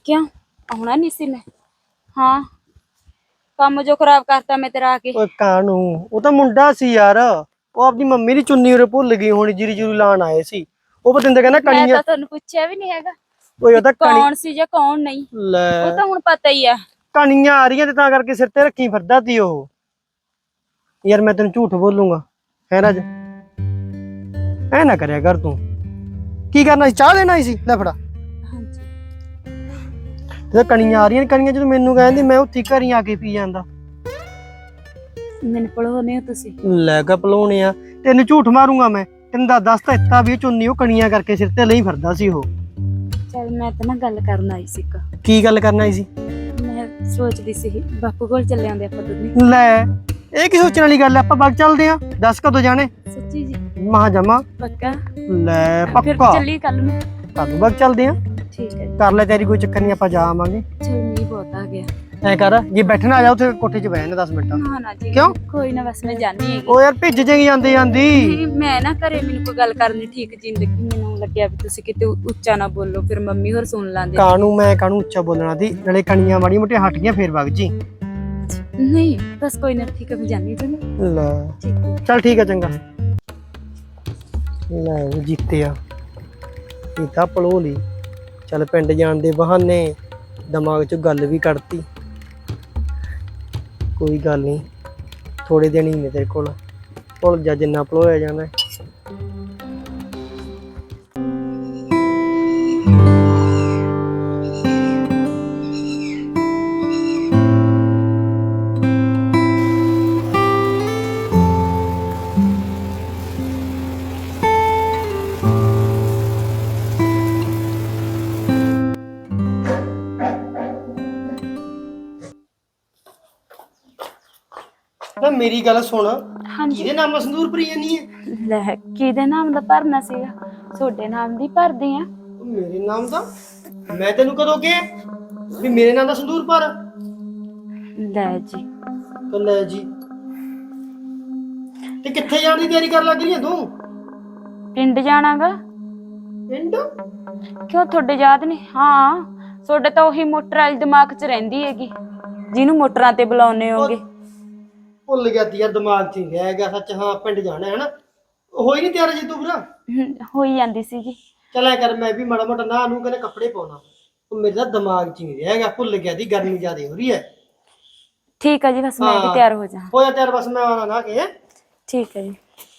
[SPEAKER 1] ਕਿਉਂ ਆਉਣਾ ਨਹੀਂ ਸੀ ਮੈਂ? ਹਾਂ ਕੰਮ ਜੋ ਖਰਾਬ ਕਰਤਾ ਮੈਂ ਤੇਰਾ ਆ ਕੇ।
[SPEAKER 3] ਓਏ ਕਾਨੂੰ, ਉਹ ਤਾਂ ਮੁੰਡਾ ਸੀ ਯਾਰ, ਉਹ ਆਪਣੀ ਮੰਮੀ ਦੀ ਚੁੰਨੀ ਉਰੇ ਭੁੱਲ ਗਈ ਹੋਣੀ, ਜੀਰੀ ਜੂਰੀ ਲਾਣ ਆਏ ਸੀ। ਉਹ ਬਤਿੰਦਰ ਕਹਿੰਦਾ
[SPEAKER 1] ਮੈਂ
[SPEAKER 3] ਕਣੀਆਂ।
[SPEAKER 1] ਤਾਂ ਤੁਹਾਨੂੰ ਪੁੱਛਿਆ ਵੀ ਨਹੀਂ ਹੈਗਾ
[SPEAKER 3] ਓਏ ਉਹ ਤਾਂ
[SPEAKER 1] ਕੌਣ ਸੀ ਜਾਂ ਕੌਣ ਨਹੀਂ,
[SPEAKER 3] ਲੈ
[SPEAKER 1] ਉਹ ਤਾਂ ਹੁਣ ਪਤਾ ਹੀ ਆ।
[SPEAKER 3] ਕਣੀਆਂ ਆ ਰਹੀਆਂ ਤੇ ਤਾਂ ਕਰਕੇ ਸਿਰ ਤੇ ਰੱਖੀ ਫਿਰਦਾ ਤੀ ਉਹ। ਯਾਰ ਮੈਂ ਤੈਨੂੰ ਝੂਠ ਬੋਲੂੰਗਾ ਹੈ ਰਾਜ, ਐ ਨਾ ਕਰਿਆ ਕਰ ਤੂੰ। ਕੀ ਕਰਨਾ ਸੀ, ਚਾਹ ਲੈਣਾ ਸੀ? ਲੈ ਫੜਾ।
[SPEAKER 1] ਹਾਂਜੀ
[SPEAKER 3] ਤੇ ਕਣੀਆਂ ਆ ਰਹੀਆਂ, ਕਣੀਆਂ ਜਦੋਂ ਮੈਨੂੰ ਕਹਿੰਦੀ ਮੈਂ ਉੱਥੇ ਘਰੀ ਆ ਕੇ ਪੀ ਜਾਂਦਾ।
[SPEAKER 1] ਮੈਨੂੰ ਪੜਾਉਨੇ ਹੋ ਤੁਸੀਂ?
[SPEAKER 3] ਲੈ ਕੇ ਭਲਾਉਣੇ ਆ, ਤੈਨੂੰ ਝੂਠ ਮਾਰੂੰਗਾ ਮੈਂ। ਤੈਨੂੰ ਦੱਸ ਤਾਂ ਦਿੱਤਾ ਵੀ ਇਹ ਚੁੰਨੀ ਉਹ ਕਣੀਆਂ ਕਰਕੇ ਸਿਰ ਤੇ ਲਈ ਫਿਰਦਾ ਸੀ ਉਹ।
[SPEAKER 1] ਚਲ ਮੈਂ ਤਾਂ ਨਾ ਗੱਲ ਕਰਨ ਆਈ ਸੀ ਇੱਕ।
[SPEAKER 3] ਕੀ ਗੱਲ ਕਰਨਾ ਸੀ?
[SPEAKER 1] ਮੈਂ ਸੋਚਦੀ ਸੀ ਬਾਪੂ ਕੋਲ ਚੱਲੇ ਆਉਂਦੇ ਆਪਾਂ ਦੋਨੇ।
[SPEAKER 3] ਲੈ ਇਹ ਕੀ ਸੋਚਣ ਵਾਲੀ ਗੱਲ ਆ, ਆਪਾਂ ਬਾਗ ਚੱਲਦੇ ਆ। ਦੱਸ ਕਦੋਂ ਜਾਣੇ?
[SPEAKER 1] ਸੱਚੀ ਜੀ?
[SPEAKER 3] ਮਹਾ ਜਮਾ।
[SPEAKER 1] ਪੱਕਾ?
[SPEAKER 3] ਲੈ
[SPEAKER 1] ਫਿਰ
[SPEAKER 3] ਪੱਕਾ,
[SPEAKER 1] ਚੱਲੀ ਕੱਲ ਨੂੰ।
[SPEAKER 3] ਕਦੋਂ ਬਾਗ ਚੱਲਦੇ ਆ?
[SPEAKER 1] ਠੀਕ ਹੈ
[SPEAKER 3] ਕਰ ਲੈ ਤੇਰੀ, ਕੋਈ ਚੱਕਰ ਨਹੀਂ, ਆਪਾਂ ਜਾ ਆਵਾਂਗੇ।
[SPEAKER 1] ਚਲ ਮੀਂਹ ਬਹੁਤ ਆ ਗਿਆ।
[SPEAKER 3] ਐ ਕਰ, ਜੇ ਬੈਠਣਾ ਆ ਜਾ ਉੱਥੇ ਕੋਠੇ 'ਚ ਬਹਿ ਜਾ 10 ਮਿੰਟ।
[SPEAKER 1] ਨਾ ਨਾ ਜੀ
[SPEAKER 3] ਕਿਉਂ?
[SPEAKER 1] ਕੋਈ ਨਾ, ਬਸ ਮੈਂ ਜਾਣੀ ਹੈਗੀ।
[SPEAKER 3] ਉਹ ਯਾਰ ਭਿੱਜ ਜਾਏਗੀ ਜਾਂਦੀ ਜਾਂਦੀ।
[SPEAKER 1] ਨਹੀਂ, ਮੈਂ ਨਾ ਘਰੇ ਮੈਨੂੰ ਕੋਈ ਗੱਲ ਕਰਨੀ ਠੀਕ ਜੀ ਨੀ ਲੱਗੀ। ਮੈਨੂੰ ਲੱਗਿਆ ਵੀ ਤੁਸੀਂ ਕਿਤੇ ਉੱਚਾ ਨਾ ਬੋਲੋ, ਫਿਰ ਮੰਮੀ ਹੋਰ ਸੁਣ ਲਾਂਦੇ।
[SPEAKER 3] ਕਾਹਨੂੰ ਉੱਚਾ ਬੋਲਣਾ ਦੀ, ਨਾਲੇ ਕਣੀਆਂ ਮਾੜੀ ਮੋਟੀਆਂ ਹਟ ਗਈਆਂ, ਫੇਰ ਵਗ ਜੀ।
[SPEAKER 1] ਨਹੀਂ ਬਸ ਕੋਈ ਨਾ, ਠੀਕ ਹੈ ਮੈਂ ਜਾਣੀ ਤੁਹਾਨੂੰ।
[SPEAKER 3] ਲੈ
[SPEAKER 1] ਠੀਕ ਹੈ।
[SPEAKER 3] ਚੱਲ ਠੀਕ ਹੈ, ਚੰਗਾ। ਲੈ ਉਹ ਜਿੱਤਿਆ, ਇਹ ਤਾਂ ਭਲੋ ਲਈ। ਚੱਲ ਪਿੰਡ ਜਾਣ ਦੇ ਬਹਾਨੇ ਦਿਮਾਗ 'ਚੋਂ ਗੱਲ ਵੀ ਕੱਢਤੀ। ਕੋਈ ਗੱਲ ਨਹੀਂ, ਥੋੜੇ ਦਿਨ ਹੀ ਨੇ ਤੇਰੇ ਕੋਲ, ਭੁੱਲ ਜਾ ਜਿੰਨਾ ਭਲੋਇਆ ਜਾਂਦਾ। ਤਾਂ ਮੇਰੀ ਗੱਲ ਸੁਣ,
[SPEAKER 1] ਹਾਂਜੀ
[SPEAKER 3] ਕਿਹਦੇ ਨਾਮ ਸੰਦੂਰ ਭਰੀ ਜਾਨੀ ਹੈ?
[SPEAKER 1] ਲੈ ਕਿਹਦੇ ਨਾਮ ਦਾ ਭਰਨਾ ਸੀਗਾ? ਤੁਹਾਡੇ ਨਾਮ ਦੀ ਭਰਦੇ ਆ।
[SPEAKER 3] ਮੇਰੇ ਨਾਮ ਦਾ? ਮੈਂ ਤੈਨੂੰ ਕਦੋਂ ਕਿਹਾ ਵੀ ਮੇਰੇ ਨਾਮ ਦਾ ਸੰਦੂਰ ਭਰ?
[SPEAKER 1] ਲੈ ਜੀ।
[SPEAKER 3] ਤਾਂ ਲੈ ਜੀ, ਤੇ ਕਿੱਥੇ ਜਾਣ ਦੀ ਤਿਆਰੀ ਕਰਨ ਲੱਗ ਰਹੀ ਹੈ ਤੂੰ?
[SPEAKER 1] ਪਿੰਡ ਜਾਣਾਗਾ।
[SPEAKER 3] ਪਿੰਡ?
[SPEAKER 1] ਕਿਉਂ ਤੁਹਾਡੇ ਯਾਦ ਨਹੀਂ? ਹਾਂ ਤੁਹਾਡੇ ਤਾਂ ਉਹੀ ਮੋਟਰ ਵਾਲੀ ਦਿਮਾਗ 'ਚ ਰਹਿੰਦੀ ਹੈਗੀ, ਜਿਹਨੂੰ ਮੋਟਰਾਂ ਤੇ ਬੁਲਾਉਂਦੇ ਹੋਗੇ।
[SPEAKER 3] ਭੁੱਲ ਗਿਆ ਤੀ ਯਾਰ, ਦਿਮਾਗ 'ਚ ਹੀ ਰਹਿ ਗਿਆ ਸੱਚ। ਹਾਂ ਪਿੰਡ ਜਾਣਾ ਹੈ ਨਾ, ਹੋਈ ਨਹੀਂ ਤਿਆਰ ਜੀ ਤੂੰ ਵੀਰਾ?
[SPEAKER 1] ਹੋਈ ਜਾਂਦੀ ਸੀਗੀ।
[SPEAKER 3] ਚੱਲ ਐ ਕਰ, ਮੈਂ ਵੀ ਮਾੜਾ ਮੋਟਾ ਨਾ ਨੂੰ ਕਹਿੰਦੇ ਕੱਪੜੇ ਪਾਉਣਾ, ਉਹ ਮੇਰੇ ਤਾਂ ਦਿਮਾਗ 'ਚ ਹੀ ਨਹੀਂ ਰਹਿ ਗਿਆ, ਭੁੱਲ ਗਿਆ ਦੀ। ਗਰਮੀ ਜ਼ਿਆਦਾ ਹੋ ਰਹੀ ਹੈ।
[SPEAKER 1] ਠੀਕ ਹੈ ਜੀ, ਬਸ ਮੈਂ ਵੀ ਤਿਆਰ ਹੋ ਜਾ।
[SPEAKER 3] ਹੋਇਆ ਤਿਆਰ, ਬਸ ਮੈਂ ਆਉਣਾ ਨਾ ਕਿ।
[SPEAKER 1] ਠੀਕ ਹੈ ਜੀ।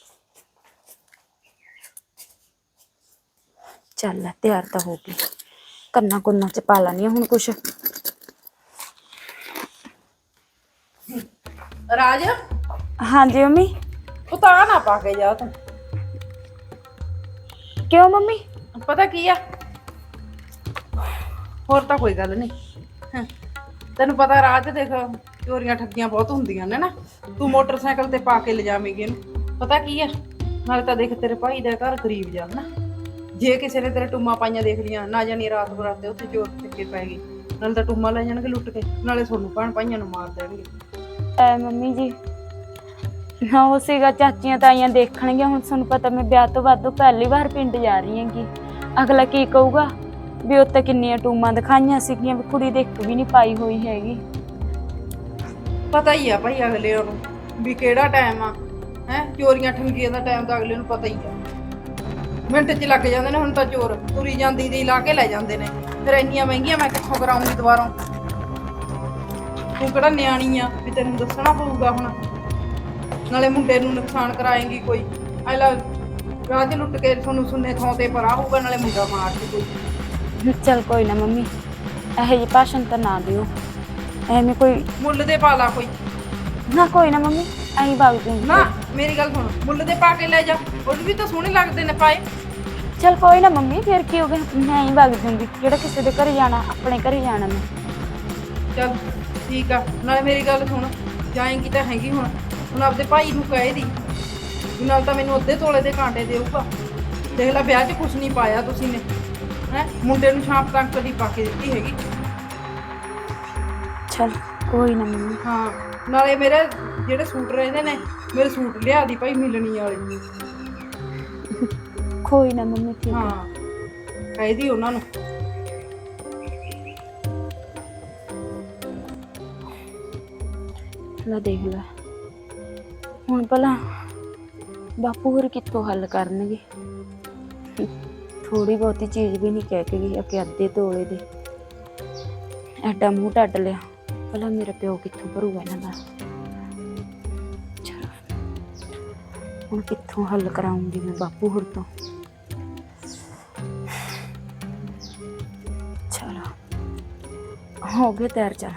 [SPEAKER 1] ਚੱਲ ਤਿਆਰ ਤਾਂ ਹੋ ਗਈ, ਕੰਨਾਂ ਕੁੰਨਾਂ 'ਚ ਪਾ ਲਾਨੀ ਹੁਣ ਕੁਛ।
[SPEAKER 4] ਰਾਜ,
[SPEAKER 1] ਹਾਂਜੀ ਮੰਮੀ।
[SPEAKER 4] ਉਹ ਤਾਂ ਨਾ ਪਾ ਕੇ ਜਾ ਤੂੰ।
[SPEAKER 1] ਕਿਉਂ ਮੰਮੀ?
[SPEAKER 4] ਪਤਾ ਕੀ ਆ, ਹੋਰ ਤਾਂ ਕੋਈ ਗੱਲ ਨਹੀਂ। ਤੈਨੂੰ ਪਤਾ ਰਾਜ, ਦੇਖ ਚੋਰੀਆਂ ਠੱਗੀਆਂ ਬਹੁਤ ਹੁੰਦੀਆਂ ਨੇ ਨਾ। ਤੂੰ ਮੋਟਰਸਾਈਕਲ ਤੇ ਪਾ ਕੇ ਲਿਜਾਵੇਂਗੀ ਇਹਨੂੰ। ਪਤਾ ਕੀ ਆ, ਨਾਲੇ ਤਾਂ ਦੇਖ ਤੇਰੇ ਭਾਈ ਦਾ ਘਰ ਗਰੀਬ ਜਾ ਨਾ, ਜੇ ਕਿਸੇ ਨੇ ਤੇਰੇ ਟੁੰਮਾਂ ਪਾਈਆਂ ਦੇਖ ਲੀਆਂ, ਨਾ ਜਾਣੀ ਰਾਤ ਬਰਾਤੇ ਉੱਥੇ ਚੋਰ ਚੱਕੇ ਪੈ ਗਏ, ਨਾਲੇ ਤਾਂ ਟੁੰਮਾਂ ਲੈ ਜਾਣਗੇ ਲੁੱਟ ਕੇ, ਨਾਲੇ ਤੁਹਾਨੂੰ ਭੈਣ ਭਾਈਆਂ ਨੂੰ ਮਾਰ ਦੇਣਗੇ।
[SPEAKER 1] ਐ ਮੰਮੀ ਜੀ, ਹਾਂ ਉਹ ਸੀਗਾ ਚਾਚੀਆਂ ਤਾਈਆਂ ਦੇਖਣਗੀਆਂ। ਹੁਣ ਤੁਹਾਨੂੰ ਪਤਾ ਮੈਂ ਵਿਆਹ ਤੋਂ ਬਾਅਦ ਪਹਿਲੀ ਵਾਰ ਪਿੰਡ ਜਾ ਰਹੀ ਹੈਗੀ। ਅਗਲਾ ਕੀ ਕਹੂਗਾ ਵੀ ਉੱਤੇ ਕਿੰਨੀਆਂ ਟੂਮਾਂ ਦਿਖਾਈਆਂ ਸੀਗੀਆਂ, ਵੀ ਕੁੜੀ ਦੇ ਇੱਕ ਵੀ ਨਹੀਂ ਪਾਈ ਹੋਈ ਹੈਗੀ।
[SPEAKER 4] ਪਤਾ ਹੀ ਆ ਭਾਈ ਅਗਲੇ ਨੂੰ ਵੀ ਕਿਹੜਾ ਟਾਈਮ ਆ, ਹੈ ਚੋਰੀਆਂ ਠੰਗੀਆਂ ਦਾ ਟਾਈਮ ਤਾਂ ਅਗਲੇ ਨੂੰ ਪਤਾ ਹੀ ਆ। ਮਿੰਟ 'ਚ ਲੱਗ ਜਾਂਦੇ ਨੇ। ਹੁਣ ਤਾਂ ਚੋਰ ਤੁਰੀ ਜਾਂਦੀ ਦੀ ਲਾ ਕੇ ਲੈ ਜਾਂਦੇ ਨੇ, ਫਿਰ ਇੰਨੀਆਂ ਮਹਿੰਗੀਆਂ ਮੈਂ ਕਿੱਥੋਂ ਕਰਾਉਂਗੀ ਦੁਬਾਰਾ? ਤੂੰ ਕਿਹੜਾ ਨਿਆਣੀ ਆ ਵੀ ਤੈਨੂੰ ਦੱਸਣਾ ਪਊਗਾ ਹੁਣ? ਨਾਲੇ ਮੁੰਡੇ ਨੂੰ ਨੁਕਸਾਨ ਕਰਾਏਂਗੀ ਕੋਈ, ਐਲਾ ਰਾਹ 'ਚ ਲੁੱਟ ਕੇ ਤੁਹਾਨੂੰ ਸੁੰਨੇ ਥਾਂ ਤੇ ਪਰਾ ਹੋਊਗਾ, ਨਾਲੇ ਮੁੰਡਾ ਮਾਰ ਕੇ ਕੋਈ।
[SPEAKER 1] ਚੱਲ ਕੋਈ ਨਾ ਮੰਮੀ, ਇਹੋ ਜਿਹੀ ਭਾਸ਼ਣ ਤਾਂ ਨਾ ਦਿਓ, ਐਵੇਂ ਕੋਈ
[SPEAKER 4] ਮੁੱਲ ਦੇ ਪਾ ਲਾ ਕੋਈ।
[SPEAKER 1] ਨਾ। ਕੋਈ ਨਾ ਮੰਮੀ, ਐਂ ਵਗ ਜੂੰਗੀ।
[SPEAKER 4] ਨਾ ਮੇਰੀ ਗੱਲ ਸੁਣ, ਮੁੱਲ ਦੇ ਪਾ ਕੇ ਲੈ ਜਾ, ਉਹ ਵੀ ਤਾਂ ਸੋਹਣੇ ਲੱਗਦੇ ਨੇ ਪਾਏ।
[SPEAKER 1] ਚੱਲ ਕੋਈ ਨਾ ਮੰਮੀ, ਫਿਰ ਕੀ ਹੋ ਗਿਆ, ਮੈਂ ਹੀ ਵਗ ਜੂੰਗੀ। ਜਿਹੜਾ ਕਿਸੇ ਦੇ ਘਰੇ ਜਾਣਾ, ਆਪਣੇ ਘਰੇ ਜਾਣਾ ਮੈਂ।
[SPEAKER 4] ਚੱਲ ਠੀਕ ਆ, ਨਾਲੇ ਮੇਰੀ ਗੱਲ ਸੁਣ, ਜਾਏਂਗੀ ਤਾਂ ਹੈਗੀ ਹੁਣ ਆਪਦੇ ਭਾਈ ਨੂੰ ਕਹੇ ਦੀ ਵੀ ਨਾਲ ਤਾਂ ਮੈਨੂੰ ਅੱਧੇ ਤੋਲੇ ਦੇ ਕਾਂਟੇ ਦੇਊਗਾ। ਦੇਖ ਲੈ ਵਿਆਹ 'ਚ ਕੁਛ ਨਹੀਂ ਪਾਇਆ ਤੁਸੀਂ ਨੇ, ਹੈ ਮੁੰਡੇ ਨੂੰ ਛਾਂਪ ਤੱਕ ਕਦੀ ਪਾ ਕੇ ਦਿੱਤੀ ਹੈਗੀ।
[SPEAKER 1] ਚੱਲ ਕੋਈ ਨਾ ਮੰਮੀ।
[SPEAKER 4] ਹਾਂ ਨਾਲੇ ਮੇਰੇ ਜਿਹੜੇ ਸੂਟ ਰਹਿੰਦੇ ਨੇ, ਮੇਰੇ ਸੂਟ ਲਿਆ ਦੀ ਭਾਈ ਮਿਲਣੀ ਵਾਲੀ।
[SPEAKER 1] ਕੋਈ ਨਾ ਮੰਮੀ, ਠੀਕ
[SPEAKER 4] ਹਾਂ
[SPEAKER 1] ਹੈ।
[SPEAKER 4] ਕਹੇ ਦੀ ਉਹਨਾਂ ਨੂੰ।
[SPEAKER 1] ਲੈ ਦੇਖ ਲੈ ਹੁਣ ਭਲਾ ਬਾਪੂ ਹੋਰ ਕਿੱਥੋਂ ਹੱਲ ਕਰਨਗੇ। ਥੋੜੀ ਬਹੁਤੀ ਚੀਜ਼ ਵੀ ਨਹੀਂ ਕਹਿ ਕੇ ਗਈ ਕਿ ਅੱਧੇ ਤੋਲੇ ਦੇ ਐਡਾ ਮੂੰਹ ਢੱਡ ਲਿਆ। ਭਲਾ ਮੇਰਾ ਪਿਓ ਕਿੱਥੋਂ ਭਰੂਗਾ ਇਹਨਾਂ ਦਾ। ਚਲੋ ਹੁਣ ਕਿੱਥੋਂ ਹੱਲ ਕਰਾਉਂਗੀ ਮੈਂ ਬਾਪੂ ਹੋਰ ਤੋਂ। ਚਲੋ ਹੋ ਗਏ ਤਿਆਰ। ਚੱਲ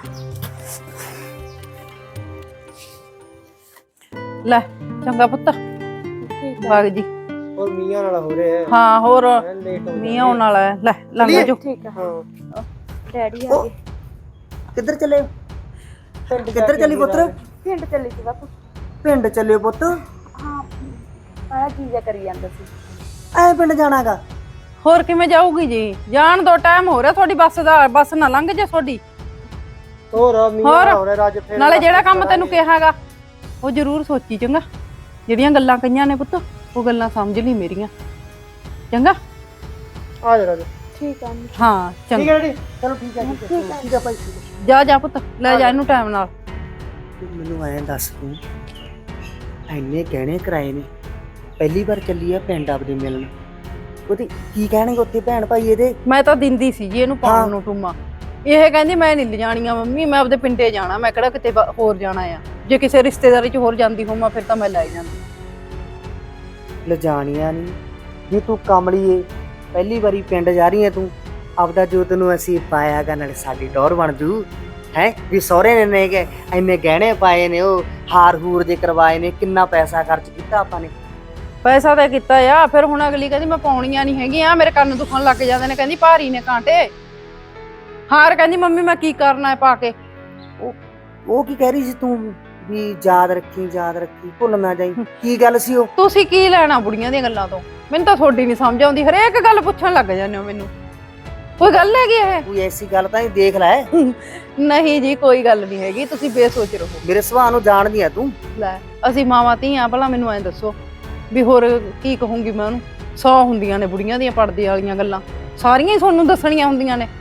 [SPEAKER 4] ਲੈ ਚੰਗਾ ਪੁੱਤ ਬਾਗ ਜੀ।
[SPEAKER 3] ਹੋਰ ਮੀਆਂ ਨਾਲ ਹੋ ਰਿਹਾ ਹੈ
[SPEAKER 4] ਹਾਂ ਹੋਰ
[SPEAKER 3] ਲੇਟ ਹੋ
[SPEAKER 4] ਮੀਂਹ ਆਉਣ ਵਾਲਾ ਹੈ। ਲੈ ਲੰਘ ਜੋ।
[SPEAKER 1] ਠੀਕ ਆ।
[SPEAKER 3] ਹਾਂ
[SPEAKER 1] ਡੈਡੀ ਆ ਗਏ।
[SPEAKER 2] ਕਿੱਧਰ ਚੱਲੇ? ਕਿੱਧਰ ਚੱਲੀ ਪੁੱਤ?
[SPEAKER 1] ਪਿੰਡ ਚੱਲੀ ਸੀ ਬਾਪੂ।
[SPEAKER 2] ਪਿੰਡ ਚੱਲਿਓ ਪੁੱਤ?
[SPEAKER 1] ਹਾਂ ਆਹ ਕੀ ਜਿਹਾ ਕਰੀ ਜਾਂਦਾ ਸੀ।
[SPEAKER 2] ਐ ਪਿੰਡ ਜਾਣਾਗਾ?
[SPEAKER 4] ਹੋਰ ਕਿਵੇਂ ਜਾਊਗੀ ਜੀ? ਜਾਣ ਦੋ, ਟਾਈਮ ਹੋ ਰਿਹਾ ਤੁਹਾਡੀ ਬੱਸ ਦਾ। ਬੱਸ ਨਾ ਲੰਘ ਜੇ ਤੁਹਾਡੀ।
[SPEAKER 3] ਹੋਰ ਮੀਆਂ
[SPEAKER 4] ਹੋਰ?
[SPEAKER 3] ਹੋ ਰਿਹਾ ਰਾਜ ਫੇਰ
[SPEAKER 4] ਨਾਲੇ ਜਿਹੜਾ ਕੰਮ ਤੈਨੂੰ ਕਿਹਾਗਾ ਉਹ ਜ਼ਰੂਰ ਸੋਚੀ ਚੰਗਾ। ਜਿਹੜੀਆਂ ਗੱਲਾਂ ਕਹੀਆਂ ਨੇ ਪੁੱਤ ਉਹ ਗੱਲਾਂ ਸਮਝ ਲਈ ਮੇਰੀਆਂ। ਚੰਗਾ
[SPEAKER 3] ਆ ਜਾ ਰਾਜ।
[SPEAKER 1] ਠੀਕ ਆ
[SPEAKER 4] ਹਾਂ
[SPEAKER 3] ਠੀਕ
[SPEAKER 4] ਚੰਗਾ।
[SPEAKER 3] ਹੈ ਡੈਡੀ ਚਲੋ ਠੀਕ ਹੈ ਠੀਕ ਹੈ ਭਾਈ ਠੀਕ ਹੈ।
[SPEAKER 4] ਜਾ ਜਾ ਪੁੱਤ ਲੈ ਜਾ ਇਹਨੂੰ ਟਾਈਮ ਨਾਲ।
[SPEAKER 2] ਤੂੰ ਮੈਨੂੰ ਐਂ ਦੱਸ, ਤੂੰ ਐਨੇ ਗਹਿਣੇ ਕਰਾਏ ਨੇ, ਪਹਿਲੀ ਵਾਰ ਚੱਲੀ ਆ ਪਿੰਡ ਆਪਦੇ ਮਿਲਣ, ਉਹਦੀ ਕੀ ਕਹਿਣਗੇ ਉੱਥੇ ਭੈਣ ਭਾਈ ਇਹਦੇ?
[SPEAKER 4] ਮੈਂ ਤਾਂ ਦਿੰਦੀ ਸੀ ਜੀ ਇਹਨੂੰ ਪਾਉਣ ਨੂੰ ਟੂਮਾ। ਇਹ ਕਹਿੰਦੀ ਮੈਂ ਨਹੀਂ ਲਿਜਾਣੀਆਂ ਮੰਮੀ, ਮੈਂ ਆਪਦੇ ਪਿੰਡੇ ਜਾਣਾ, ਮੈਂ ਕਿਹੜਾ ਕਿਤੇ ਹੋਰ ਜਾਣਾ ਆ। ਜੇ ਕਿਸੇ ਰਿਸ਼ਤੇਦਾਰੀ 'ਚ ਹੋਰ ਜਾਂਦੀ ਹੋਵਾਂ ਫਿਰ ਤਾਂ ਮੈਂ ਲੈ ਜਾਂਦੀ।
[SPEAKER 2] ਲਿਜਾਣੀਆਂ ਨਹੀਂ ਜੇ ਤੂੰ ਕਮਲੀਏ, ਪਹਿਲੀ ਵਾਰੀ ਪਿੰਡ ਜਾ ਰਹੀ ਹੈ ਤੂੰ, ਆਪਦਾ ਜੋ ਤੈਨੂੰ ਅਸੀਂ ਪਾਇਆਗਾ ਨਾਲੇ ਸਾਡੀ ਟੌਰ ਬਣ ਜੂ ਹੈ। ਵੀ ਸਹੁਰੇ ਨੇ ਕਿ ਇੰਨੇ ਗਹਿਣੇ ਪਾਏ ਨੇ, ਉਹ ਹਾਰ ਹੂਰ ਜੇ ਕਰਵਾਏ ਨੇ, ਕਿੰਨਾ ਪੈਸਾ ਖਰਚ ਕੀਤਾ ਆਪਾਂ ਨੇ।
[SPEAKER 4] ਪੈਸਾ ਤਾਂ ਕੀਤਾ ਆ, ਫਿਰ ਹੁਣ ਅਗਲੀ ਕਹਿੰਦੀ ਮੈਂ ਪਾਉਣੀਆਂ ਨਹੀਂ ਹੈਗੀਆਂ, ਮੇਰੇ ਕੰਨ ਦੁਖਣ ਲੱਗ ਜਾਂਦੇ ਨੇ, ਕਹਿੰਦੀ ਭਾਰੀ ਨੇ ਕਾਂਟੇ। ਹਾਰ ਕਹਿੰਦੀ ਮੰਮੀ ਮੈਂ ਕੀ ਕਰਨਾ ਹੈ ਪਾ ਕੇ।
[SPEAKER 2] ਉਹ ਕੀ ਕਹਿ ਰਹੀ ਸੀ ਤੂੰ ਵੀ ਯਾਦ ਰੱਖੀ ਭੁੱਲ ਨਾ ਜਾਈ? ਕੀ ਗੱਲ ਸੀ ਉਹ?
[SPEAKER 4] ਤੁਸੀਂ ਕੀ ਲੈਣਾ ਬੁੜੀਆਂ ਦੀਆਂ ਗੱਲਾਂ ਤੋਂ? ਮੈਨੂੰ ਤਾਂ ਤੁਹਾਡੀ ਨਹੀਂ ਸਮਝ ਆਉਂਦੀ, ਹਰੇਕ ਗੱਲ ਪੁੱਛਣ ਲੱਗ ਜਾਂਦੇ ਹੋ ਮੈਨੂੰ। ਕੋਈ ਗੱਲ ਹੈਗੀ ਇਹ?
[SPEAKER 2] ਕੋਈ ਐਸੀ ਗੱਲ ਤਾਂ ਨਹੀਂ, ਦੇਖ ਲੈ।
[SPEAKER 4] ਨਹੀਂ ਜੀ ਕੋਈ ਗੱਲ ਨਹੀਂ ਹੈਗੀ, ਤੁਸੀਂ ਬੇਸੋਚ ਰਹੋ।
[SPEAKER 2] ਮੇਰੇ ਸੁਭਾਅ ਨੂੰ ਜਾਣਦੀ ਆ ਤੂੰ।
[SPEAKER 4] ਲੈ ਅਸੀਂ ਮਾਵਾਂ ਧੀਆਂ, ਭਲਾ ਮੈਨੂੰ ਐਂ ਦੱਸੋ ਵੀ ਹੋਰ ਕੀ ਕਹੂੰਗੀ ਮੈਂ ਉਹਨੂੰ? 100 ਹੁੰਦੀਆਂ ਨੇ ਬੁੜੀਆਂ ਦੀਆਂ ਪੜਦੇ ਵਾਲੀਆਂ ਗੱਲਾਂ, ਸਾਰੀਆਂ ਹੀ ਤੁਹਾਨੂੰ ਦੱਸਣੀਆਂ ਹੁੰਦੀਆਂ ਨੇ।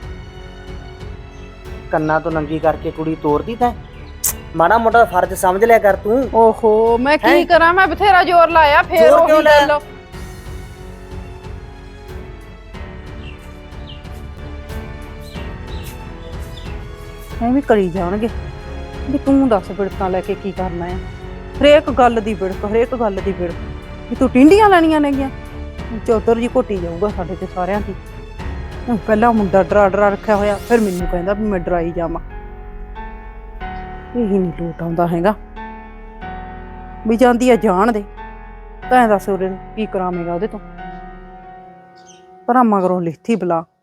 [SPEAKER 2] ਕੰਨਾਂ ਤੋਂ ਨੰਗੀ ਕਰਕੇ ਕੁੜੀ ਤੋਰਦੀ ਤੈਂ? ਮਾੜਾ ਮੋਟਾ ਫਰਜ਼ ਸਮਝ ਲਿਆ ਕਰ ਤੂੰ।
[SPEAKER 4] ਓਹੋ ਮੈਂ ਕੀ ਕਰਾਂ, ਮੈਂ ਬਥੇਰਾ ਜ਼ੋਰ ਲਾਇਆ ਫੇਰ
[SPEAKER 2] ਜ਼ੋਰ ਕਿਉਂ
[SPEAKER 4] ਉਹੀ
[SPEAKER 2] ਲਾਇਆ?
[SPEAKER 4] ਗੱਲ। ਐਵੇਂ ਕਰੀ ਜਾਣਗੇ ਵੀ ਤੂੰ ਦੱਸ ਬਿੜਕਾਂ ਲੈ ਕੇ ਕੀ ਕਰਨਾ ਆ। ਹਰੇਕ ਗੱਲ ਦੀ ਬਿੜਕ, ਹਰੇਕ ਗੱਲ ਦੀ ਬਿੜਕ ਵੀ ਤੂੰ ਟਿੰਡੀਆਂ ਲੈਣੀਆਂ ਨੇਗੀਆਂ। ਚੌਧਰ ਜੀ ਘੋਟੀ ਜਾਊਗਾ ਸਾਡੇ ਤੇ ਸਾਰਿਆਂ ਦੀ। ਪਹਿਲਾਂ ਮੁੰਡਾ ਡਰਾ ਰੱਖਿਆ ਹੋਇਆ, ਫਿਰ ਮੈਨੂੰ ਕਹਿੰਦਾ ਵੀ ਮੈਂ ਡਰਾਈ ਜਾਵਾਂ। ਇਹੀ ਨਹੀਂ ਲੋਟ ਆਉਂਦਾ ਹੈਗਾ ਵੀ ਜਾਂਦੀ ਆ ਜਾਣ ਦੇ। ਤਾਂ ਦੱਸ ਉਰੇ ਕੀ ਕਰਾਵੇਂਗਾ ਉਹਦੇ ਤੋਂ? ਭਰਾਵਾਂ ਕਰੋ ਲਿਖਤੀ ਬਲਾ।